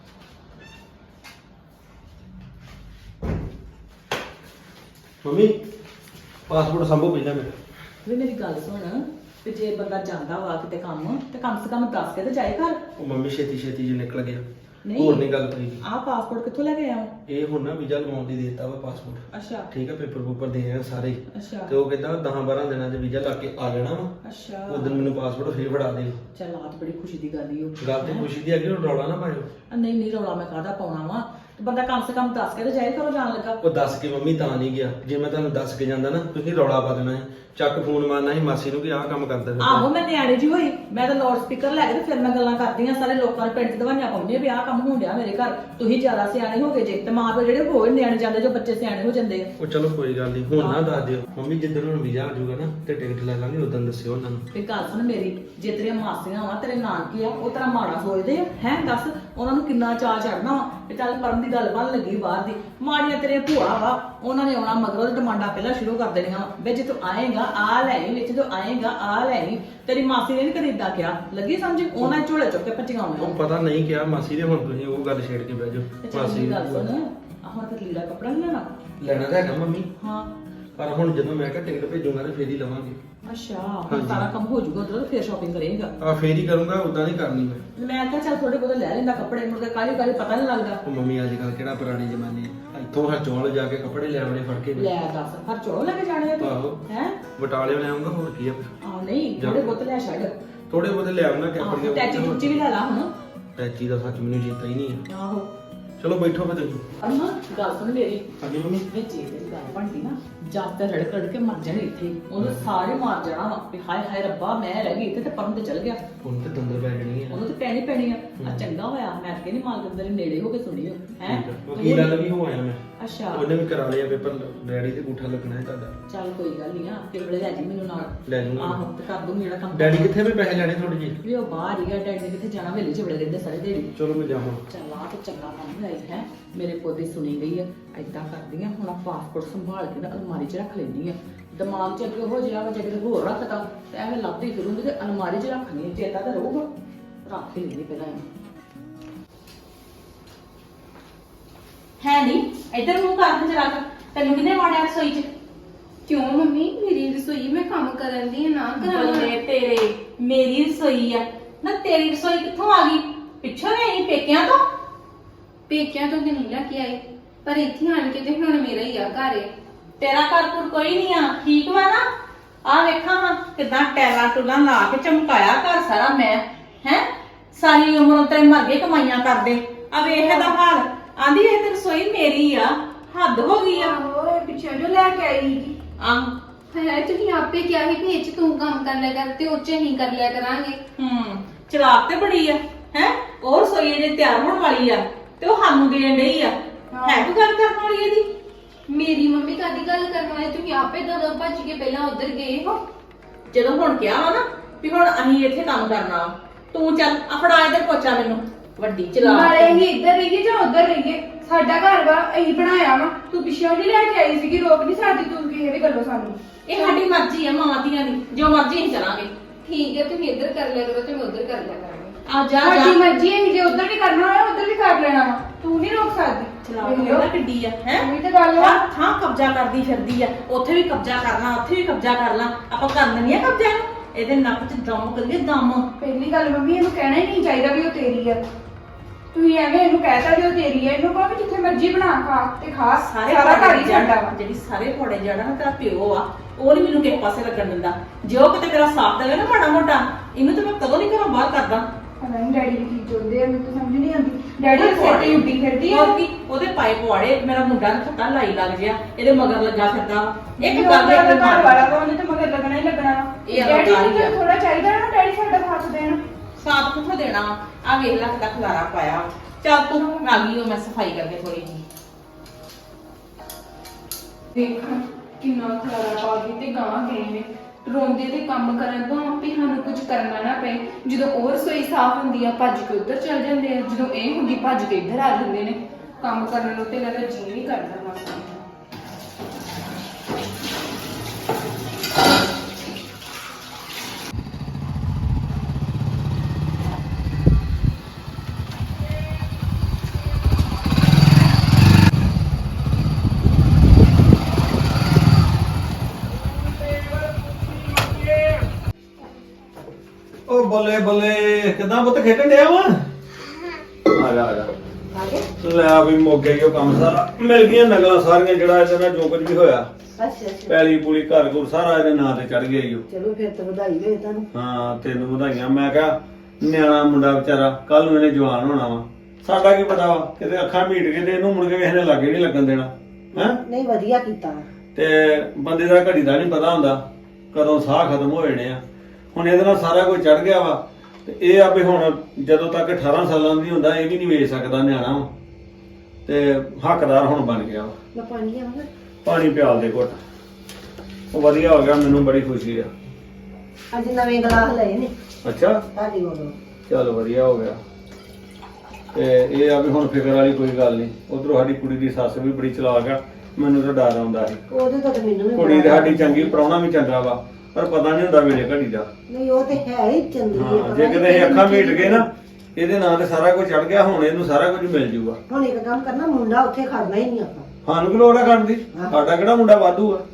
Speaker 4: ਮੰਮੀ ਪਾਸਪੋਰਟ ਸੰਭੋ ਪਹਿਲਾਂ ਮੇਰਾ।
Speaker 7: ਵੀ ਮੇਰੀ ਗੱਲ ਸੁਣ, ਤੇ ਜੇ ਬੰਦਾ ਜਾਂਦਾ ਵਾ ਕਿਤੇ ਕੰਮ, ਤੇ ਕਮ ਸੇ ਕਮ ਦੱਸ ਕੇ ਤੇ ਜਾਏ ਘਰ।
Speaker 4: ਉਹ ਮੰਮੀ ਛੇਤੀ ਛੇਤੀ ਜੀ ਨਿਕਲ ਗਿਆ।
Speaker 7: ਨਹੀਂ।
Speaker 4: ਹੋਰ ਨਹੀਂ ਗੱਲ ਪਈ।
Speaker 7: ਆਹ ਪਾਸਪੋਰਟ ਕਿੱਥੋਂ ਲੈ ਕੇ ਆਇਆ?
Speaker 4: ਇਹ ਹੁਣ ਨਾ ਵੀਜ਼ਾ ਲਵਾਉਣ ਦੀ ਦੇਤਾ ਵਾ ਪਾਸਪੋਰਟ।
Speaker 7: ਅੱਛਾ
Speaker 4: ਠੀਕ ਆ, ਪੇਪਰ ਪੂਪਰ ਦੇ ਆ ਸਾਰੇ ਹੀ।
Speaker 7: ਅੱਛਾ
Speaker 4: ਤੇ ਉਹ ਕਹਿੰਦਾ ਦਸ ਬਾਰਾਂ ਦਿਨਾਂ 'ਚ ਵੀਜ਼ਾ ਲਾ ਕੇ ਆ ਜਾਣਾ ਵਾ।
Speaker 7: ਅੱਛਾ।
Speaker 4: ਉਦੋਂ ਮੈਨੂੰ ਪਾਸਪੋਰਟ ਫੇਰ ਫੜਾ ਦਿਓ।
Speaker 7: ਚੱਲ ਆਹ ਤਾਂ ਬੜੀ ਖੁਸ਼ੀ ਦੀ ਗੱਲ ਹੀ ਉਹ।
Speaker 4: ਗੱਲ ਤੇ ਖੁਸ਼ੀ ਦੀ ਅੱਗੇ ਰੌਲਾ ਨਾ ਪਾਇਓ।
Speaker 7: ਆ ਨਹੀਂ ਨਹੀਂ ਰੌਲਾ ਮੈਂ ਕਾਹਦਾ ਪਾਉਣਾ ਵਾ। ਤੇ ਬੰਦਾ ਕਮ ਸੇ ਕਮ ਦੱਸ ਕੇ ਤੇ ਜਾਏ ਘਰੋਂ ਜਾਣ ਲੱਗਾ।
Speaker 4: ਉਹ ਦੱਸ ਕੇ ਮੰਮੀ ਤਾਂ ਨਹੀਂ ਗਿਆ। ਜੇ ਮੈਂ ਤੁਹਾਨੂੰ ਦੱਸ ਕੇ ਜਾਂਦਾ ਨਾ, ਤੁਸੀਂ ਰੌਲਾ ਪਾ ਦੇਣਾ ਸੀ। ਚੱਕ ਫੋਨ ਮਾਰਨਾ ਸੀ ਮਾਸੀ ਨੂੰ ਕਿ ਆਹ ਕੰਮ ਕਰਦਾ ਫਿਰਦਾ।
Speaker 7: ਆਹੋ ਮੈਂ ਨਿਆਣੇ ਜੀ ਹੋਈ, ਮੈਂ ਤਾਂ ਲਾਊਡ ਸਪੀਕਰ ਲੈ ਕੇ ਤੇ ਫਿਰ ਮੈਂ ਗੱਲਾਂ ਕਰਦੀ ਆ। ਸਾਰੇ ਲੋਕਾਂ ਦੇ ਪਿੰਡ 'ਚ ਦਵਾਈਆਂ ਪਾਉਂਦੀਆਂ ਵੀ ਆਹ ਕੰਮ ਹੋਣ ਡਿਆ ਮੇਰੇ ਘਰ। ਤੁਸੀਂ ਜ਼ਿਆਦਾ ਸਿਆਣੇ ਹੋ ਗਏ ਜੇ, ਤੇ ਮਾਂ ਪਿਓ ਜਿਹੜੇ ਹੋਰ ਨਿਆਣੇ ਜਾਂਦੇ ਜੋ ਬੱਚੇ ਸਿਆਣੇ ਹੋ ਜਾਂਦੇ ਆ।
Speaker 4: ਉਹ ਚਲੋ ਕੋਈ ਗੱਲ ਨਹੀਂ, ਹੁਣ ਨਾ ਦੱਸ ਦਿਓ ਮੰਮੀ। ਜਿੱਦਣ ਹੁਣ ਵੀਜ਼ਾ ਆ ਜਾਊਗਾ ਨਾ ਤੇ ਟਿਕਟ ਲੈ ਲਾਂਗੇ, ਉਦੋਂ ਦੱਸਿਓ ਉਹਨਾਂ ਨੂੰ।
Speaker 7: ਤੇ ਗੱਲ ਸੁਣ ਮੇਰੀ, ਜੇ ਤੇਰੀਆਂ ਮਾਸੀਆਂ ਵਾ ਤੇਰੇ ਨਾਨਕੇ ਆ, ਉਹ ਤੇਰਾ ਮਾੜਾ ਸੋਚਦੇ ਆ ਹੈ? ਦੱਸ ਉਹਨਾਂ ਨੂੰ ਕਿੰਨਾ ਚਾਅ ਚੜਨਾ ਵਾ ਵੀ ਚੱਲ ਪਰਮ ਦੀ ਦੀ ਗੱਲ ਬਣ ਲੱਗੀ ਬਾਹਰ ਦੀ। ਮਾੜੀਆਂ ਤੇਰੇ ਭੂਆ ਵਾ, ਉਹਨਾਂ ਨੇ ਆਉਣਾ ਮਗਰੋਂ ਤੇ ਡਿਮਾਂਡਾਂ ਪਹਿਲਾਂ ਸ਼ੁਰੂ ਕਰ ਦੇਣੀਆਂ ਵਾ, ਵੇ ਜੇ ਤੂੰ ਆਏਗਾ ਆ ਲੈ ਆਈ, ਵਿੱਚ ਤੂੰ ਆਏਗਾ ਆ ਲੈ ਆਈ। ਤੇਰੀ ਮਾਸੀ ਨੇ ਨੀ ਕਦੇ ਏਦਾਂ ਕਿਹਾ, ਲੱਗੀ ਸਮਝ? ਉਹਨਾਂ ਨੇ ਝੋਲੇ ਚੁੱਕ ਕੇ ਭੱਜੀਆਂ
Speaker 4: ਉਹ
Speaker 7: ਆਉਣੀਆਂ।
Speaker 4: ਪਤਾ ਨਹੀਂ ਕਿਹਾ ਮਾਸੀ ਦੇ, ਹੁਣ ਤੁਸੀਂ ਉਹ ਗੱਲ ਛੇੜ ਕੇ ਬਹਿ
Speaker 7: ਤੇ
Speaker 4: ਜਾਓ।
Speaker 7: ਚੱਲ
Speaker 4: ਮਾਸੀ
Speaker 7: ਮੇਰੀ ਗੱਲ ਸੁਣ, ਆਹ ਹੁਣ ਤੇ ਲੀੜਾ ਕੱਪੜਾ ਨੀ ਲੈਣਾ?
Speaker 4: ਲੈਣਾ ਤਾਂ ਹੈਗਾ ਮੰਮੀ,
Speaker 7: ਹਾਂ
Speaker 4: ਪਰ ਹੁਣ ਜਦੋਂ ਮੈਂ ਕਿਹਾ ਟਿਕਟ ਭੇਜੂਗਾ ਤੇ ਫੇਰ ਹੀ ਲਵਾਂਗੇ।
Speaker 7: ਅੱਛਾ, ਹੁਣ
Speaker 4: ਹਾਂਜੀ।
Speaker 7: ਸਾਰਾ ਕੰਮ ਹੋ ਜਾਊਗਾ ਉਧਰ, ਫੇਰ ਸ਼ਾਪਿੰਗ ਕਰੇਗਾ।
Speaker 4: ਆ ਫੇਰ ਹੀ ਕਰੂੰਗਾ, ਉਦਾਂ ਨਹੀਂ ਕਰਨੀ ਮੈਂ।
Speaker 7: ਮੈਂ ਕਿਹਾ ਚੱਲ ਥੋੜੇ ਬਹੁਤੇ ਲੈ ਲੈਂਦਾ ਕੱਪੜੇ, ਮੁੜ ਕੇ ਕਾਹਲੀ ਕਾਹਲੀ ਪਤਾ ਨਹੀਂ ਲੱਗਦਾ।
Speaker 4: ਉਹ ਮੰਮੀ ਅੱਜ ਕੱਲ ਕਿਹੜਾ ਪੁਰਾਣੇ ਜ਼ਮਾਨੇ ਆ, ਇੱਥੋਂ ਹਰਚੋਲ ਜਾ ਕੇ ਕੱਪੜੇ ਲੈ ਆਉਣੇ ਫੜ ਕੇ।
Speaker 7: ਲੈ ਦੱਸ, ਹਰ ਚੋੜੋ ਲੈ ਕੇ ਜਾਣੇ ਆ
Speaker 4: ਆਹੋ।
Speaker 7: ਤੂੰ ਹੈ?
Speaker 4: ਬਟਾਲੇ ਲੈ ਆਉਂਗਾ, ਹੋਰ ਕੀ ਆ।
Speaker 7: ਆ ਨਹੀਂ, ਥੋੜੇ ਬਹੁਤੇ ਲੈ ਛੱਡ।
Speaker 4: ਥੋੜੇ ਬਹੁਤੇ ਲੈ ਆਉਣਾ
Speaker 7: ਆਹੋ,
Speaker 4: ਕੈਪਰੀਆਂ।
Speaker 7: ਟੈਚੀ ਟੁੱਚੀ ਵੀ ਲੈ ਲਾ ਹੁਣ।
Speaker 4: ਟੈਚੀ ਦਾ ਸੱਚ ਮੈਨੂੰ ਚੇਤਾ ਹੀ ਨਹੀਂ ਆ।
Speaker 7: ਆਹੋ
Speaker 4: ਚਲੋ ਬੈਠੋ ਫੇ ਤੁਸੀਂ।
Speaker 7: ਅਮਾ ਗੱਲ ਸੁਣ ਮੇਰੀ,
Speaker 4: ਹਾਂਜੀ ਮੰਮੀ।
Speaker 7: ਵਿੱਚ ਇਹ ਤੇਰੀ ਗੱਲ ਬਣਦੀ ਨਾ, ਜਦ ਤੇ ਰੜਕ ਰੜਕ ਕੇ ਮਰ ਜਾਣੇ ਇੱਥੇ, ਉਹਨੂੰ ਸਾਰੇ ਮਾਰ ਜਾਣਾ ਵਾ ਵੀ ਹਾਏ ਹਾਏ ਰੱਬਾ ਮੈਂ ਰਹਿ ਗਈ ਇੱਥੇ ਤੇ ਪਰਮ ਤੇ ਚਲ ਗਿਆ।
Speaker 4: ਹੁਣ ਤੇ ਦੰਦਰ ਪੈ ਜਾਣੀ ਆ।
Speaker 7: ਉਹਨੂੰ ਤੇ ਪੈਣੀ ਪੈਣੀ ਆ। ਆ ਚੰਗਾ ਹੋਇਆ ਮੈਂ ਕਿ ਨਹੀਂ ਮਾਲਕ ਦੇ ਨੇੜੇ ਹੋ ਕੇ ਸੁਣੀਓ ਹੈ।
Speaker 4: ਉਹ ਕੀ ਗੱਲ ਵੀ ਹੋ ਆਇਆ ਮੈਂ।
Speaker 7: ਅੱਛਾ
Speaker 4: ਉਹਨੇ ਵੀ ਕਰਾ ਲਿਆ ਪੇਪਰ, ਡੈਡੀ ਤੇ ਅੰਗੂਠਾ ਲੱਗਣਾ ਹੈ ਤੁਹਾਡਾ।
Speaker 7: ਚੱਲ ਕੋਈ ਗੱਲ ਨਹੀਂ ਆ, ਤੇ ਬੜੇ ਲੈ ਜੀ ਮੈਨੂੰ ਨਾਲ।
Speaker 4: ਲੈ ਜੂੰਗਾ।
Speaker 7: ਆਹੋ ਤੇ ਕਰ ਦੂੰਗੀ ਜਿਹੜਾ ਕੰਮ।
Speaker 4: ਡੈਡੀ ਕਿੱਥੇ ਵੀ ਪੈਸੇ ਲੈਣੇ ਥੋੜੇ ਜਿਹੇ?
Speaker 7: ਵੀ ਉਹ ਬਾਹਰ ਹੀ ਆ, ਡੈਡੀ ਨੇ ਕਿੱਥੇ ਜਾਣਾ, ਵੇਲੇ ਚ ਬੜੇ ਰਹਿੰਦੇ ਸਾਰੇ ਦਿਹਾੜੀ।
Speaker 4: ਚਲੋ ਮੈਂ ਜਾਵਾਂ।
Speaker 7: ਚੱਲ ਆ ਤੇ ਚੰਗਾ ਕੰਮ ਹੋਇਆ ਹੈ, ਮੇਰੇ ਪੋਤੇ ਸੁਣੀ ਗਈ ਆ। ਏਦਾਂ ਕਰਦੀ ਆ ਹੁਣ, ਆ ਪਾਸਪੋਰਟ ਸੰਭਾਲ ਕੇ ਨਾ ਅਲਮਾਰੀ 'ਚ ਰੱਖ ਲੈਂਦੀ ਆ। ਦਿਮਾਗ 'ਚ ਅੱਗੇ ਹੋ ਜਿਆ ਵਾ, ਜੇ ਕਿਤੇ ਹੋਰ ਰੱਖਤਾ ਤੇ ਐਵੇਂ ਲੱਭਦੀ ਫਿਰੂੰਗੀ ਤੇ ਅਲਮਾਰੀ 'ਚ ਰੱਖਣੀ, ਚੇਤਾ ਤਾਂ ਰਹੂਗਾ। ਰੱਖ ਹੀ ਲੈਂਦੀ ਪਹਿਲਾਂ ਇਹਨੂੰ।
Speaker 3: ਹੈ ਨਹੀਂ ਇੱਧਰ ਮੂੰਹ ਕਰ ਜਰਾ ਕਰ, ਤੈਨੂੰ ਕਿਹਨੇ ਵਾੜਿਆ ਰਸੋਈ 'ਚ?
Speaker 6: ਕਿਉਂ ਮੰਮੀ, ਮੇਰੀ ਰਸੋਈ ਮੈਂ ਕੰਮ ਕਰਨ ਦੀ ਆ, ਨਾ ਕਰਾਂ?
Speaker 3: ਬੱਲੇ ਤੇਰੇ, ਮੇਰੀ ਰਸੋਈ ਆ ਨਾ, ਤੇਰੀ ਰਸੋਈ ਕਿੱਥੋਂ ਆ ਗਈ? ਪਿੱਛੋਂ ਨਹੀਂ ਪੇਕਿਆਂ ਤੋਂ?
Speaker 6: ਪੇਕਿਆਂ ਤੋਂ ਤੇ ਨਹੀਂ ਲੈ ਕੇ ਆਏ, ਪਰ ਇੱਥੇ ਆਣ ਕੇ ਤੇ ਹੁਣ ਮੇਰਾ ਹੀ ਆ ਘਰ।
Speaker 3: ਤੇਰਾ ਘਰ ਘੁਰ ਕੋਈ ਨਹੀਂ ਆ, ਠੀਕ ਵਾ ਨਾ? ਆ ਵੇਖਾਂ ਹਾਂ ਕਿਦਾਂ ਟੈਲਾ ਟੁਲਾ ਲਾ ਕੇ ਚਮਕਾਇਆ ਘਰ ਸਾਰਾ ਮੈਂ ਹੈ। ਸਾਰੀ ਉਮਰ ਤੇ ਮਰ ਗਏ ਕਮਾਈਆਂ ਕਰਦੇ, ਆ ਵੇਖ ਇਹਦਾ ਹਾਲ। ਆਂਦੀ ਇਹ ਤੇ ਰਸੋਈ ਮੇਰੀ ਆ, ਹੱਦ ਹੋ ਗਈ ਆ।
Speaker 6: ਆਹੋ ਪਿੱਛੇ ਜੋ ਲੈ ਕੇ ਆਈ ਸੀ।
Speaker 3: ਆਹ
Speaker 6: ਹੈ ਤੁਸੀਂ ਆਪੇ ਕਿਹਾ ਸੀ ਵੀ ਇਹ 'ਚ ਤੂੰ ਕੰਮ ਕਰ ਲਿਆ ਕਰ ਤੇ ਉਹ 'ਚ ਅਸੀਂ ਕਰ ਲਿਆ ਕਰਾਂਗੇ।
Speaker 3: ਹੂੰ ਚਲਾਕ ਤੇ ਬੜੀ ਆ ਹੈ। ਉਹ ਰਸੋਈ ਜੇ ਤਿਆਰ ਹੋਣ ਵਾਲੀ ਆ ਤੇ ਉਹ ਸਾਨੂੰ ਦੇਣ ਡਈ ਆ। ਹੈ ਕੋਈ ਗੱਲ ਕਰਨ ਵਾਲੀ ਇਹਦੀ?
Speaker 6: ਮੇਰੀ ਮੰਮੀ ਕਾਦੀ ਗੱਲ ਕਰਨ ਵਾਲੇ, ਤੁਸੀਂ ਆਪੇ ਦੋ ਭੱਜ ਕੇ ਪਹਿਲਾਂ ਉੱਧਰ ਗਏ ਹੋ।
Speaker 3: ਜਦੋਂ ਹੁਣ ਕਿਹਾ ਵਾ ਨਾ ਵੀ ਹੁਣ ਅਸੀਂ ਇੱਥੇ ਕੰਮ ਕਰਨਾ ਵਾ, ਤੂੰ ਚੱਲ ਆ ਫੜਾ ਇੱਧਰ ਪੋਚਾ ਮੈਨੂੰ, ਵੱਡੀ ਚਲਾਕ।
Speaker 6: ਨਾਲੇ ਅਸੀਂ ਇੱਧਰ ਰਹੀਏ ਜਾਂ ਉੱਧਰ ਰਹੀਏ, ਸਾਡਾ ਘਰ ਵਾ, ਅਸੀਂ ਬਣਾਇਆ ਵਾ। ਤੂੰ ਪਿੱਛੋਂ ਨਹੀਂ ਲੈ ਕੇ ਆਈ ਸੀਗੀ, ਰੋਕ ਨਹੀਂ ਸਕਦੀ ਤੂੰ ਕਿਸੇ ਵੀ ਗੱਲੋਂ ਸਾਨੂੰ।
Speaker 3: ਇਹ ਸਾਡੀ ਮਰਜ਼ੀ ਆ ਮਾਵਾਂ ਧੀਆਂ ਦੀ, ਜੋ ਮਰਜ਼ੀ ਅਸੀਂ ਚਲਾਂਗੇ।
Speaker 6: ਠੀਕ ਹੈ, ਤੁਸੀਂ ਇੱਧਰ ਕਰ ਲਿਆ ਕਰੋ ਤੇ ਮੈਂ ਉੱਧਰ ਕਰ ਲਿਆ ਕਰਾਂਗੇ।
Speaker 3: ਆ ਜਾ
Speaker 6: ਸਾਡੀ
Speaker 3: ਜਾ
Speaker 6: ਮਰਜ਼ੀ ਹੈ, ਜੇ ਉੱਧਰ ਵੀ ਕਰਨਾ ਹੋਇਆ ਉੱਧਰ ਵੀ ਕਰ ਲੈਣਾ ਵਾ, ਤੂੰ ਨਹੀਂ ਰੋਕ ਸਕਦੀ।
Speaker 3: ਚਲਾਕ ਮੇਰਾ ਕਿੱਡੀ ਆ ਹੈ।
Speaker 6: ਉਹੀ ਤਾਂ ਗੱਲ ਆ।
Speaker 3: ਥਾਂ ਕਬਜ਼ਾ ਕਰਦੀ ਫਿਰਦੀ ਆ, ਉੱਥੇ ਵੀ ਕਬਜ਼ਾ ਕਰਨਾ, ਉੱਥੇ ਵੀ ਕਬਜ਼ਾ ਕਰਨਾ। ਆਪਾਂ ਕਰ ਲੈਣੀ ਆ ਕਬਜ਼ਾ ਇਹਨੂੰ, ਇਹਦੇ ਨੱਕ 'ਚ ਦਮ ਕਰੀਏ ਦਮ।
Speaker 6: ਪਹਿਲੀ ਗੱਲ ਮੰਮੀ, ਇਹਨੂੰ ਕਹਿਣਾ ਹੀ ਨਹੀਂ ਚਾਹੀਦਾ ਵੀ ਉਹ ਤੇਰੀ ਆ। ਤੁਸੀਂ ਐਵੇਂ ਇਹਨੂੰ ਕਹਿਤਾ ਵੀ ਉਹ ਤੇਰੀ ਆ, ਇਹਨੂੰ ਕਹੋ ਵੀ ਜਿੱਥੇ ਮਰਜ਼ੀ ਬਣਾ ਖਾ ਤੇ ਖਾ,
Speaker 3: ਸਾਰੇ
Speaker 6: ਸਾਰਾ ਘਰ ਹੀ
Speaker 3: ਜੜ-
Speaker 6: ਸਾਡਾ ਵਾ।
Speaker 3: ਜਿਹੜੀ ਸਾਰੇ ਫੋੜੇ ਜੜਾ ਨਾ ਤੇਰਾ ਪਿਓ ਆ, ਉਹ ਨਹੀਂ ਮੈਨੂੰ ਕਿਸੇ ਪਾਸੇ ਲੱਗਣ ਦਿੰਦਾ। ਜੇ ਉਹ ਕਿਤੇ ਮੇਰਾ ਸਾਥ ਦੇਵੇ ਨਾ ਮਾੜਾ ਮੋਟਾ, ਇਹਨੂੰ ਤਾਂ ਮੈਂ ਕਦੋਂ ਨਹੀਂ ਘਰੋਂ ਬਾਹਰ ਕਰਦਾ।
Speaker 6: ਪਤਾ ਨਹੀਂ ਡੈਡੀ ਵੀ ਕੀ ਚਾਹੁੰਦੇ ਆ, ਮੈਨੂੰ ਤਾਂ ਸਮਝ ਨਹੀਂ ਆਉਂਦੀ। ਡੈਡੀ ਦੇ ਸਿਰ ਤੇ ਉੱਡੀ ਫਿਰਦੀ ਆ।
Speaker 3: ਹੋਰ ਕੀ, ਉਹਦੇ ਪਾਏ ਪਵਾੜੇ, ਮੇਰਾ ਮੁੰਡਾ ਨਾ ਛੱਟਾ ਲਾਈ ਲੱਗ ਜਿਆ, ਇਹਦੇ ਮਗਰ ਲੱਗਾ ਫਿਰਦਾ। ਇੱਕ
Speaker 6: ਜੋ
Speaker 3: ਗੱਲ
Speaker 6: ਉਹਦਾ
Speaker 3: ਦੇ
Speaker 6: ਘਰ ਵਾਲਾ ਵਾ, ਉਹਨੇ ਤਾਂ ਮਗਰ ਲੱਗਣਾ ਹੀ ਲੱਗਣਾ ਵਾ।
Speaker 3: ਇਹ
Speaker 6: ਡੈਡੀ
Speaker 3: ਅਲੰਕਾਰ ਹੀ
Speaker 6: ਨੂੰ
Speaker 3: ਆ।
Speaker 6: ਥੋੜਾ ਚਾਹੀਦਾ ਨਾ, ਡੈਡੀ ਸਾਡਾ ਸਾਥ ਦੇਣ।
Speaker 3: ਸਾਥ ਕਿੱਥੋਂ ਦੇਣਾ? ਆ ਵੇਖ ਲੈ ਕਿੱਦਾਂ ਖਲਾਰਾ ਪਾਇਆ। ਚੱਲ ਤੂੰ ਆ ਗਈ, ਉਹ ਮੈਂ ਸਫਾਈ ਕਰਕੇ ਥੋੜੀ ਜੀ।
Speaker 6: ਦੇਖ ਕਿੰਨਾ ਖਲਾਰਾ ਪਾ ਗਈ ਤੇ ਗਾਂ ਗਏ ਨੇ। ਰੋਂਦੇ ਤੇ ਕੰਮ ਕਰਨ ਤੋਂ ਵੀ ਸਾਨੂੰ ਕੁਝ ਕਰਨਾ ਨਾ ਪਏ। ਜਦੋਂ ਉਹ ਰਸੋਈ ਸਾਫ਼ ਹੁੰਦੀ ਆ ਭੱਜ ਕੇ ਉੱਧਰ ਚਲ ਜਾਂਦੇ ਆ, ਜਦੋਂ ਇਹ ਹੁੰਦੀ ਭੱਜ ਕੇ ਇੱਧਰ ਆ ਜਾਂਦੇ ਨੇ। ਕੰਮ ਕਰਨ ਨੂੰ ਤੇ ਇਹਨਾਂ ਦਾ ਜੀਅ ਨਹੀਂ ਕਰਦਾ ਮਾਸਾ।
Speaker 8: ਉਹ ਬੱਲੇ ਬੱਲੇ ਕਿਦਾਂ ਪੁੱਤ ਖੇਡਣ ਡਿਆ ਵਾ? ਆ ਜਾ ਆ ਜਾ ਲੈ ਵੀ ਮੁੱਕ ਗਿਆ ਈ ਉਹ ਕੰਮ ਸਾਰਾ, ਮਿਲ ਗਈਆਂ ਨਗਲਾਂ ਸਾਰੀਆਂ, ਜਿਹੜਾ ਇਹਦੇ ਨਾਲ ਜੋ ਕੁਝ ਵੀ ਹੋਇਆ।
Speaker 5: ਅੱਛਾ ਅੱਛਾ,
Speaker 8: ਪੈਲੀ ਪੂਲੀ ਘਰ ਘੁਰ ਸਾਰਾ ਇਹਦੇ ਨਾਂ ਤੇ ਚੜ ਗਿਆ ਈ ਉਹ।
Speaker 5: ਚਲੋ ਫਿਰ ਤਾਂ ਵਧਾਈ ਹੋਏ ਤੁਹਾਨੂੰ।
Speaker 8: ਹਾਂ ਤੈਨੂੰ ਵਧਾਈਆਂ। ਮੈਂ ਕਿਹਾ ਨਿਆਣਾ ਮੁੰਡਾ ਵਿਚਾਰਾ, ਕੱਲ ਨੂੰ ਇਹਨੇ ਜਵਾਨ ਹੋਣਾ ਵਾ, ਸਾਡਾ ਕੀ ਪਤਾ ਵਾ, ਕਿਤੇ ਅੱਖਾਂ ਮੀਟ ਕੇ ਤੇ ਇਹਨੂੰ ਮੁੜ ਕੇ ਕਿਸੇ ਨੇ ਲਾਗੇ ਨਹੀਂ ਲੱਗਣ ਦੇਣਾ ਹੈ।
Speaker 5: ਨਹੀਂ ਵਧੀਆ ਕੀਤਾ।
Speaker 8: ਤੇ ਬੰਦੇ ਦਾ ਘੜੀ ਦਾ ਨਹੀਂ ਪਤਾ ਹੁੰਦਾ ਕਦੋਂ ਸਾਹ ਖਤਮ ਹੋ ਜਾਣੇ ਆ। ਹੁਣ ਇਹਦੇ ਨਾਲ ਸਾਰਾ ਕੁਝ ਚੜ ਗਿਆ ਵਾ, ਤੇ ਇਹ ਆ ਵੀ ਹੁਣ ਜਦੋਂ ਤੱਕ ਅਠਾਰਾਂ ਸਾਲਾਂ ਦੀ ਹੁੰਦਾ ਇਹ ਵੀ ਨਹੀਂ ਵੇਚ ਸਕਦਾ ਨਿਆਣਾ ਵਾ, ਤੇ ਹੱਕਦਾਰ ਹੁਣ ਬਣ ਗਿਆ ਵਾ।
Speaker 5: ਮੈਂ ਪਾਣੀ ਲਿਆਵਾਂ?
Speaker 8: ਪਾਣੀ ਪਿਆਲ ਦੇ ਘੁੱਟ। ਉਹ ਵਧੀਆ ਹੋ ਗਿਆ, ਮੈਨੂੰ ਬੜੀ ਖੁਸ਼ੀ ਆ।
Speaker 5: ਅੱਜ ਨਵੇਂ ਗਲਾਸ ਲਏ ਨੇ
Speaker 8: ਅੱਛਾ
Speaker 5: ਤੁਹਾਡੀ ਕੋਲੋਂ।
Speaker 8: ਚਲ ਵਧੀਆ ਹੋ ਗਿਆ। ਤੇ ਇਹ ਆ ਵੀ ਹੁਣ ਫਿਕਰ ਵਾਲੀ ਕੋਈ ਗੱਲ ਨਹੀਂ। ਉਧਰੋਂ ਸਾਡੀ ਕੁੜੀ ਦੀ ਸੱਸ ਵੀ ਬੜੀ ਚਲਾਕ ਆ, ਮੈਨੂੰ ਤਾਂ ਡਰ ਆਉਂਦਾ ਸੀ।
Speaker 5: ਉਹਦੇ ਤੋਂ ਤਾਂ ਮੈਨੂੰ ਵੀ
Speaker 8: ਕੁੜੀ
Speaker 5: ਬੜਾ
Speaker 8: ਤੇ ਸਾਡੀ ਚੰਗੀ, ਪ੍ਰਾਹੁਣਾ ਵੀ ਚੰਗਾ ਵਾ, ਪਰ ਪਤਾ ਨਹੀਂ ਹੁੰਦਾ ਵੇਲੇ ਘੜੀ ਦਾ।
Speaker 5: ਨਹੀਂ ਉਹ ਤੇ ਹੈ ਹੀ ਚੰਗੀ ਹੈ,
Speaker 8: ਹਾਂ,
Speaker 5: ਪਤਾ
Speaker 8: ਜੇ
Speaker 5: ਨੀ
Speaker 8: ਕਿਤੇ ਇਹ ਅੱਖਾਂ
Speaker 5: ਕਿਹੜੀ
Speaker 8: ਮੀਟ ਗਏ ਨਾ, ਇਹਦੇ ਨਾਂ ਤੇ ਸਾਰਾ ਕੁਝ ਚੜ ਗਿਆ, ਹੁਣ ਇਹਨੂੰ ਸਾਰਾ ਕੁਝ ਮਿਲ ਜੂਗਾ।
Speaker 5: ਹੁਣ ਇੱਕ ਕੰਮ ਕਰਨਾ, ਮੁੰਡਾ ਉੱਥੇ ਖੜਨਾ ਹੀ ਨਹੀਂ ਆਪਾਂ।
Speaker 8: ਸਾਨੂੰ ਕੀ ਲੋੜ ਆ ਕਰਨ ਦੀ?
Speaker 5: ਹਾਂ।
Speaker 8: ਸਾਡਾ ਕਿਹੜਾ ਮੁੰਡਾ ਵਾਧੂ ਆ।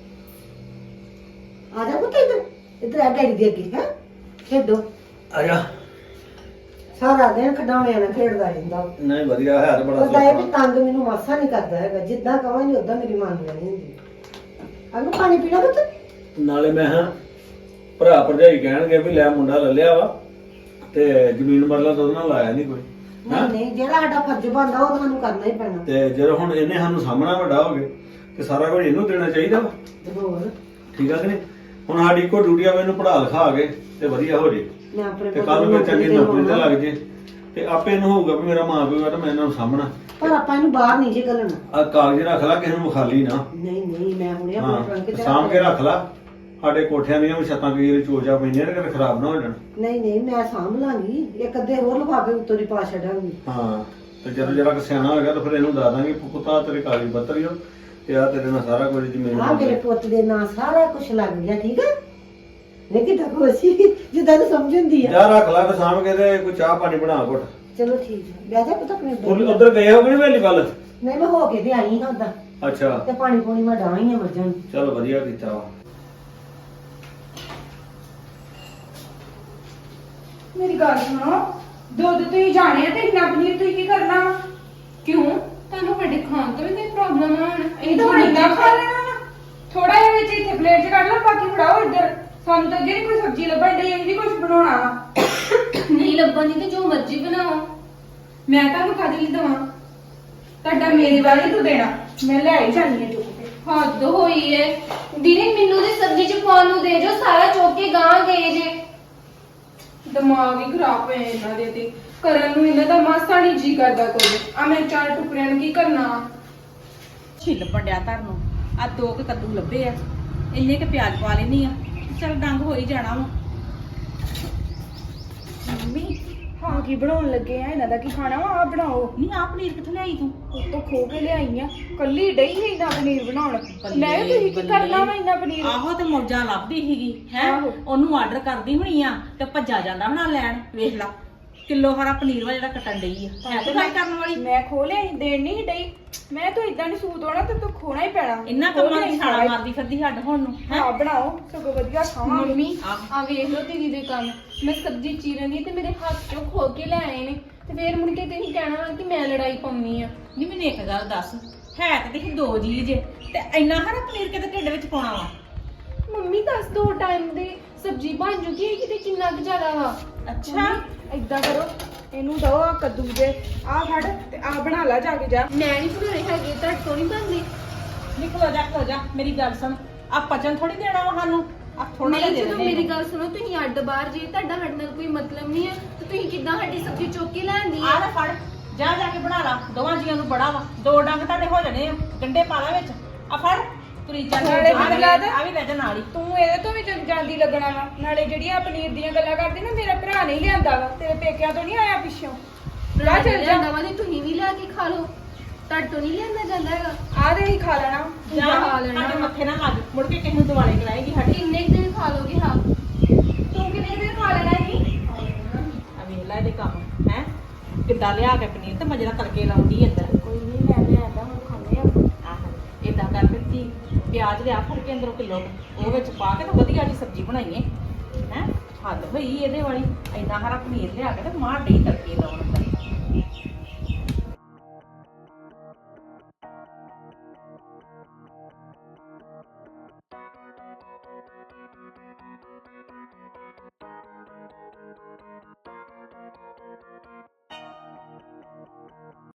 Speaker 5: ਆ ਜਾ ਪੁੱਤ ਇੱਧਰ, ਇੱਧਰ ਆ ਡੈਡੀ ਦੇ ਅੱਗੇ ਹੈ ਖੇਡੋ।
Speaker 8: ਆ ਜਾ।
Speaker 5: ਸਾਰਾ ਦਿਨ ਖਡਾਉਣਿਆਂ ਨਾਲ ਖੇਡਦਾ ਰਹਿੰਦਾ ਉਹ।
Speaker 8: ਨਹੀਂ ਵਧੀਆ ਹੈ, ਬੜਾ
Speaker 5: ਉਹਦਾ ਇਹ ਵੀ
Speaker 8: ਸੌਖਾ।
Speaker 5: ਤੰਗ ਮੈਨੂੰ ਮਾਸਾ ਨਹੀਂ ਕਰਦਾ ਹੈਗਾ, ਜਿੱਦਾਂ ਕਵਾਂਗੀ ਉਦਾਂ ਮੇਰੀ ਮੰਨ ਲੈਣੀ ਹੁੰਦੀ। ਅਗੂ ਪਾਣੀ ਪੀਣਾ ਪੁੱਤ?
Speaker 8: ਨਾਲੇ ਮੈਂ ਹਾਂ ਭਰਾ ਭਰਜਾਈ ਕਹਿਣਗੇ ਵੀ ਲੈ ਮੁੰਡਾ ਲੈ ਲਿਆ ਵਾ ਤੇ ਜ਼ਮੀਨ ਮਰਲਾ ਤਾਂ ਉਹਦੇ ਨਾਲ ਲਾਇਆ ਨਹੀਂ ਕੋਈ।
Speaker 5: ਨਹੀਂ ਨਹੀਂ, ਜਿਹੜਾ ਸਾਡਾ ਫਰਜ਼ ਬਣਦਾ ਉਹ ਤੁਹਾਨੂੰ ਕਰਨਾ ਹੀ ਪੈਣਾ।
Speaker 8: ਤੇ ਜਦੋਂ ਹੁਣ ਇਹਨੇ ਸਾਨੂੰ ਸਾਹਮਣਾ ਵੱਡਾ ਹੋ ਗਏ ਤੇ ਸਾਰਾ ਕੁਝ ਇਹਨੂੰ ਦੇਣਾ ਚਾਹੀਦਾ ਵਾ।
Speaker 5: ਤੇ ਹੋਰ
Speaker 8: ਠੀਕ ਆ ਕਿ ਨਹੀਂ? ਹੁਣ ਸਾਡੀ ਕੋ ਡਿਊਟੀ ਆ, ਇਹਨੂੰ ਪੜ੍ਹਾ ਲਿਖਾ ਕੇ ਤੇ ਵਧੀਆ ਹੋ ਜੇ
Speaker 5: ਮੈਂ ਆਪਣੇ
Speaker 8: ਤੇ
Speaker 5: ਪੁੱਤ
Speaker 8: ਕੱਲ
Speaker 5: ਨੂੰ
Speaker 8: ਨੂੰ ਚੰਗੀ ਨੌਕਰੀ ਤੇ
Speaker 5: ਦੇਵਾਂ।
Speaker 8: ਲੱਗ ਜੇ ਤੇ ਆਪੇ ਇਹਨੂੰ ਹੋਊਗਾ ਵੀ ਮੇਰਾ ਮਾਂ ਪਿਓ ਆ ਤੇ ਮੈਂ ਇਹਨਾਂ ਨੂੰ ਸਾਹਮਣਾ।
Speaker 5: ਪਰ ਆਪਾਂ ਇਹਨੂੰ ਬਾਹਰ ਨਹੀਂ ਜੇ ਘੱਲਣਾ।
Speaker 8: ਆ ਕਾਗਜ਼ ਰੱਖ ਲੈ, ਕਿਸੇ ਨੂੰ ਵਿਖਾਲੀ ਨਾ।
Speaker 5: ਨਹੀਂ ਨਹੀਂ, ਮੈਂ ਹੁਣੇ
Speaker 8: ਹਾਂ,
Speaker 5: ਆਪਣੇ ਟਰੰਕ ਚ
Speaker 8: ਸਾਂਭ ਕੇ ਰੱਖ ਲੈ। ਸਾਡੇ ਕੋਠਿਆਂ ਦੀਆਂ ਵੀ ਛੱਤਾਂ ਕਈ ਵਾਰੀ ਚੋਜਾ ਪੈਂਦੀਆਂ ਨੇ, ਕਿਤੇ ਖਰਾਬ ਨਾ ਹੋ ਜਾਣ।
Speaker 5: ਨਹੀਂ ਨਹੀਂ, ਮੈਂ ਸਾਂਭ ਲਾਂਗੀ, ਇੱਕ ਅੱਧੇ ਹੋਰ ਲਿਫਾਫੇ ਉੱਤੋਂ ਦੀ ਪਾ ਛੱਡਾਂਗੀ।
Speaker 8: ਹਾਂ, ਤੇ ਜਦੋਂ ਜਰਾ ਸਿਆਣਾ ਹੋ ਗਿਆ ਤਾਂ ਫਿਰ ਇਹਨੂੰ ਦੱਸ ਦਾਂਗੇ ਪੁੱਤਾ ਤੇਰੇ ਕਾਗਜ਼ ਪੱਤਰ ਹੀ ਹੋ ਤੇ ਆ ਤੇਰੇ ਨਾਲ ਸਾਰਾ ਕੁਝ ਜ਼ਮੀਨ
Speaker 5: ਆ ਮੇਰੇ ਪੁੱਤ ਦੇ ਨਾਂ ਸਾਰਾ ਕੁਝ ਲੱਗ ਗਿਆ, ਠੀਕ ਹੈ? ਲੇਕਿਨ ਤਾਂ ਖੁਸ਼ੀ ਜਿੱਦਾਂ ਨੂੰ ਸਮਝ ਹੁੰਦੀ ਆ।
Speaker 8: ਜਾ ਰੱਖ ਲੈ ਤੇ ਸਾਂਭ ਕੇ ਤੇ ਕੋਈ ਚਾਹ ਪਾਣੀ ਬਣਾ ਘੁੱਟ।
Speaker 5: ਚਲੋ ਠੀਕ ਹੈ, ਬਹਿ ਜਾ ਪੁੱਤ ਆਪਣੇ
Speaker 8: ਉਹ
Speaker 5: ਬੈਠ।
Speaker 8: ਉਧਰ ਗਏ ਹੋ ਕਿ ਨਹੀਂ ਵੇਲੀ ਵੱਲ?
Speaker 5: ਨਹੀਂ, ਮੈਂ ਹੋ ਕੇ ਤੇ ਆਈ ਹਾਂ ਉਦਾਂ,
Speaker 8: ਅੱਛਾ,
Speaker 5: ਤੇ ਪਾਣੀ ਪੂਣੀ ਮੈਂ ਡਾਈ ਆ ਮੱਝਾਂ ਨੂੰ।
Speaker 8: ਚਲੋ ਵਧੀਆ ਕੀਤਾ ਵਾ।
Speaker 6: ਮੇਰੀ ਗੱਲ ਸੁਣੋ, ਦੁੱਧ ਤੁਸੀਂ ਜਾਣਿਆ ਤੇ ਇੰਨਾ ਪਨੀਰ ਤੁਸੀਂ ਕੀ ਕਰਨਾ ਵਾ? ਕਿਉਂ? ਤੁਹਾਨੂੰ ਸਾਡੇ ਖਾਣ ਤੋਂ ਵੀ ਕੋਈ ਪ੍ਰੋਬਲਮ ਆ? ਹੁਣ ਇਹ ਤਾਂ ਇੰਨਾ ਖਾ ਲੈਣਾ ਵਾ। ਥੋੜਾ ਜਿਹਾ ਵਿੱਚ ਇੱਥੇ ਪਲੇਟ 'ਚ ਕੱਢ ਲਓ, ਬਾਕੀ ਫੜਾਓ ਇੱਧਰ। ਸਾਨੂੰ ਤਾਂ ਜਿਹੜੀ ਕੋਈ ਸਬਜ਼ੀ ਲੱਭਣ ਡਈ ਇਹ ਵੀ ਕੁਝ ਬਣਾਉਣਾ ਵਾ। ਨਹੀਂ ਲੱਭਣ ਦੀ ਤੇ ਜੋ ਮਰਜ਼ੀ ਬਣਾਓ, ਮੈਂ ਤੁਹਾਨੂੰ ਕਾਹਦੇ ਲਈ ਦਵਾਂ? ਤੁਹਾਡਾ ਮੇਰੇ ਵਾਲੀ ਤੂੰ ਦੇਣਾ, ਮੈਂ ਲੈ ਹੀ ਜਾਣੀ ਹੈ ਚੁੱਕ ਕੇ।
Speaker 9: ਹੱਦ ਹੋਈ ਏ ਦੀਦੀ, ਮੈਨੂੰ ਤੇ ਸਬਜ਼ੀ ਚ ਪਾਉਣ ਨੂੰ ਦੇ ਜੋ, ਸਾਰਾ ਚੁੱਕ ਕੇ ਗਾਂ ਗਏ ਜੇ।
Speaker 6: ਦਿਮਾਗ ਹੀ ਖਰਾਬ ਹੋਇਆ ਇਹਨਾਂ ਦੇ ਤੇ, ਕਰਨ ਨੂੰ ਇਹਨਾਂ ਦਾ ਮਾਸਾ ਨਹੀਂ ਜੀ ਕਰਦਾ ਕੋਈ। ਆ ਮੈਂ ਚਾਰ ਟੁਕੜਿਆਂ ਨੂੰ ਕੀ ਕਰਨਾ?
Speaker 3: ਛਿੱਲ ਪੜਿਆ ਤੁਹਾਨੂੰ ਆ ਦੋ ਕੁ ਕੱਦੂ ਲੱਭੇ ਆ, ਇੰਨੇ ਕੁ ਪਿਆਜ਼ ਪਾ ਲੈਣੀ ਆ, ਚਲ ਡੰਗ ਹੋ ਹੀ ਜਾਣਾ ਵਾ।
Speaker 6: ਮੰਮੀ ਹਾਂ ਕੀ ਬਣਾਉਣ ਲੱਗੇ ਆ? ਇਹਨਾਂ ਦਾ ਕੀ ਖਾਣਾ ਵਾ? ਆ ਬਣਾਓ।
Speaker 3: ਨਹੀਂ ਆ ਪਨੀਰ ਕਿੱਥੋਂ ਲਿਆਈ ਤੂੰ?
Speaker 6: ਉੱਤੋਂ ਖੋ ਕੇ ਲਿਆਈ ਆ, ਕੱਲੀ ਡਈ ਹੈ ਇੰਨਾ ਪਨੀਰ ਬਣਾਉਣ। ਮੈਂ ਵੀ ਤੁਸੀਂ ਕੀ ਕਰਨਾ ਵਾ ਇੰਨਾ ਪਨੀਰ?
Speaker 3: ਆਹੋ ਤੇ ਮੌਜਾਂ ਲੱਭਦੀ ਸੀਗੀ ਹੈ,
Speaker 6: ਆਹੋ।
Speaker 3: ਉਹਨੂੰ ਆਰਡਰ ਕਰਦੀ ਹੋਣੀ ਆ ਤੇ ਭੱਜਾ ਜਾਂਦਾ ਹੋਣਾ ਲੈਣ। ਵੇਖ ਲਾ ਕਿਲੋ ਹਰਾ ਪਨੀਰ ਵਾ ਜਿਹੜਾ ਕੱਟਣ ਡਈ ਆ, ਹੈ ਤੇ ਗੱਲ ਕਰਨ ਵਾਲੀ।
Speaker 6: ਮੈਂ ਖੋ ਲਿਆ, ਦੇਣ ਨਹੀਂ ਡਈ। ਮੈਂ ਤਾਂ ਇਦਾਂ ਨਹੀਂ ਸੂਤ ਹੋਣਾ ਤੇ ਤੂੰ ਖੋਣਾ ਹੀ ਪੈਣਾ।
Speaker 3: ਇੰਨਾ ਕੰਮਾਂ ਦੀ ਛਾਲਾ ਮਾਰਦੀ ਫਿਰਦੀ ਹੱਡ ਹੁਣ ਨੂੰ ਹੈਂ?
Speaker 6: ਹਾਂ ਬਣਾਓ, ਸਗੋਂ ਵਧੀਆ ਖਾਵਾਂਗੇ।
Speaker 9: ਮੰਮੀ
Speaker 3: ਆਹ।
Speaker 9: ਆ ਵੇਖ ਲਓ ਦੀਦੀ ਦੇ ਕੰਮ। ਮੈਂ ਸਬਜ਼ੀ ਚੀਰਨ ਦੀ ਤੇ ਮੇਰੇ ਹੱਥ ਚੋਂ ਖੋ ਕੇ ਲੈ ਆਏ ਨੇ, ਤੇ ਫੇਰ ਮੁੜ ਕੇ ਤੁਸੀਂ ਕਹਿਣਾ ਵਾ ਕਿ ਮੈਂ ਲੜਾਈ ਪਾਉਣੀ ਆ।
Speaker 3: ਨਹੀਂ ਮੈਨੂੰ ਇੱਕ ਗੱਲ ਦੱਸ, ਹੈ ਤੇ ਦੇਖੀ ਦੋ ਜੀ ਜੇ ਤੇ ਇੰਨਾ ਹਰਾ ਪਨੀਰ ਕਿਤੇ ਢਿੱਡ ਵਿੱਚ ਪਾਉਣਾ ਵਾ?
Speaker 9: ਮੰਮੀ ਦੱਸ ਦੋ ਟਾਈਮ ਦੇ ਸਬਜ਼ੀ ਬਣ ਜੂਗੀ ਇਹ ਕਿਤੇ ਕਿੰਨਾ ਕੁ ਜ਼ਿਆਦਾ ਵਾ?
Speaker 3: ਅੱਛਾ
Speaker 6: ਏਦਾਂ ਕਰੋ, ਇਹਨੂੰ ਦੋ ਆ ਕੱਦੂ ਦੇ, ਆ ਫੜ ਤੇ ਆ ਬਣਾ ਲਾ ਜਾ ਕੇ ਜਾ।
Speaker 9: ਮੈਂ ਨਹੀਂ ਬਣਾਉਣੇ ਹੈਗੇ, ਤੁਹਾਡੇ ਤੋਂ ਨਹੀਂ ਬਣਦੇ।
Speaker 3: ਨਹੀਂ ਖਲੋ ਜਾ ਖਲੋ ਜਾ, ਮੇਰੀ ਗੱਲ ਸੁਣ, ਆ ਪਚਨ ਥੋੜੀ ਦੇਣਾ ਵਾ ਸਾਨੂੰ, ਆ ਥੋੜਾ ਜਿਹਾ
Speaker 9: ਨਹੀਂ
Speaker 3: ਦੇ
Speaker 9: ਜਦੋਂ
Speaker 3: ਦੇ
Speaker 9: ਮੇਰੀ ਗੱਲ ਸੁਣੋ, ਤੁਸੀਂ ਅੱਡ ਬਾਹਰ ਜੇ ਤੁਹਾਡਾ ਸਾਡੇ ਨਾਲ ਕੋਈ ਮਤਲਬ ਨਹੀਂ ਹੈ ਤੇ ਤੁਸੀਂ ਕਿੱਦਾਂ ਸਾਡੀ ਸਬਜ਼ੀ ਚੁੱਕ ਕੇ ਲੈਂਦੀ
Speaker 3: ਆ
Speaker 9: ਆ?
Speaker 3: ਲੈ ਫੜ, ਜਾ ਜਾ ਕੇ ਬਣਾ ਲਾ, ਦੋਵਾਂ ਜੀਆਂ ਨੂੰ ਬੜਾ ਵਾ, ਦੋ ਡੰਗ ਤੁਹਾਡੇ ਹੋ ਜਾਣੇ ਆ, ਗੰਡੇ ਪਾ ਲਾ ਵਿੱਚ, ਆ ਫੜ ਤੁਰੀ ਚੱਲ।
Speaker 6: ਨਾਲੇ
Speaker 3: ਆ ਵੀ
Speaker 6: ਮੈਨੂੰ ਲੱਗਦਾ-
Speaker 3: ਆ ਵੀ ਲੈ ਜਾ ਨਾਲ ਹੀ।
Speaker 6: ਤੂੰ ਇਹਦੇ ਤੋਂ ਵੀ ਜਦ ਜਾਂਦੀ ਲੱਗਣਾ ਵਾ। ਨਾਲੇ ਜਿਹੜੀਆਂ ਪਨੀਰ ਦੀਆਂ ਗੱਲਾਂ ਕਰਦੀ ਨਾ, ਮੇਰਾ ਭਰਾ ਨਹੀਂ ਲਿਆਂਦਾ ਵਾ, ਤੇਰੇ ਪੇਕਿਆਂ ਤੋਂ ਨਹੀਂ ਆਇਆ ਪਿੱਛੋਂ। ਲੈ ਚੱਲ ਜਾ,
Speaker 9: ਵਾ ਤੇ ਤੁਸੀਂ ਵੀ ਲਿਆ ਕੇ ਖਾ ਲਓ, ਤੁਹਾਡੇ ਤੋਂ ਨਹੀਂ ਲਿਆਂਦਾ ਜਾਂਦਾ ਹੈਗਾ।
Speaker 6: ਆ ਦੇ ਹੀ ਖਾ ਲੈਣਾ।
Speaker 3: ਜਾ
Speaker 9: ਖਾ ਲੈਣਾ।
Speaker 3: ਸਾਡੇ ਮੱਥੇ ਨਾ ਲੱਗ, ਮੁੜ ਕੇ ਕਿਸੇ ਨੂੰ ਦਿਵਾਲੇ ਕਰਾਏਗੀ ਸਾਡੀ।
Speaker 9: ਕਿੰਨੇ ਕੁ ਦਿਨ ਖਾ ਲੋਗੇ? ਹਾਂ
Speaker 6: ਤੂੰ ਕਿੰਨੇ ਦਿਨ ਖਾ ਲੈਣਾ ਸੀ?
Speaker 3: ਆ ਵੇਖ ਲੈ ਇਹਦੇ ਕੰਮ ਹੈ, ਕਿੱਦਾਂ ਲਿਆ ਕੇ ਪਨੀਰ ਤੇ ਮਜਰਾ ਤੜਕੇ ਲਾਉਂਦੀ ਅੰਦਰ।
Speaker 6: ਕੋਈ ਨਹੀਂ, ਮੈਂ ਲਿਆਂਦਾ, ਹੁਣ ਖਾਣੇ ਆ।
Speaker 3: ਆਹ ਏਦਾਂ ਕਰ ਦਿੱਤੀ, ਪਿਆਜ਼ ਲਿਆ ਫੜ ਕੇ ਅੰਦਰੋਂ ਕਿਲੋ, ਉਹ ਵਿੱਚ ਪਾ ਕੇ ਤੇ ਵਧੀਆ ਜੀ ਸਬਜ਼ੀ ਬਣਾਈਏ ਹੈ। ਹੱਦ ਹੋਈ ਇਹਦੇ ਵਾਲੀ, ਇੰਨਾ ਹਰਾ ਪਨੀਰ ਲਿਆ ਕੇ ਤੇ ਮਾਰ ਡਈ ਤੜਕੇ ਲਾਉਣ ਅੰਦਰ।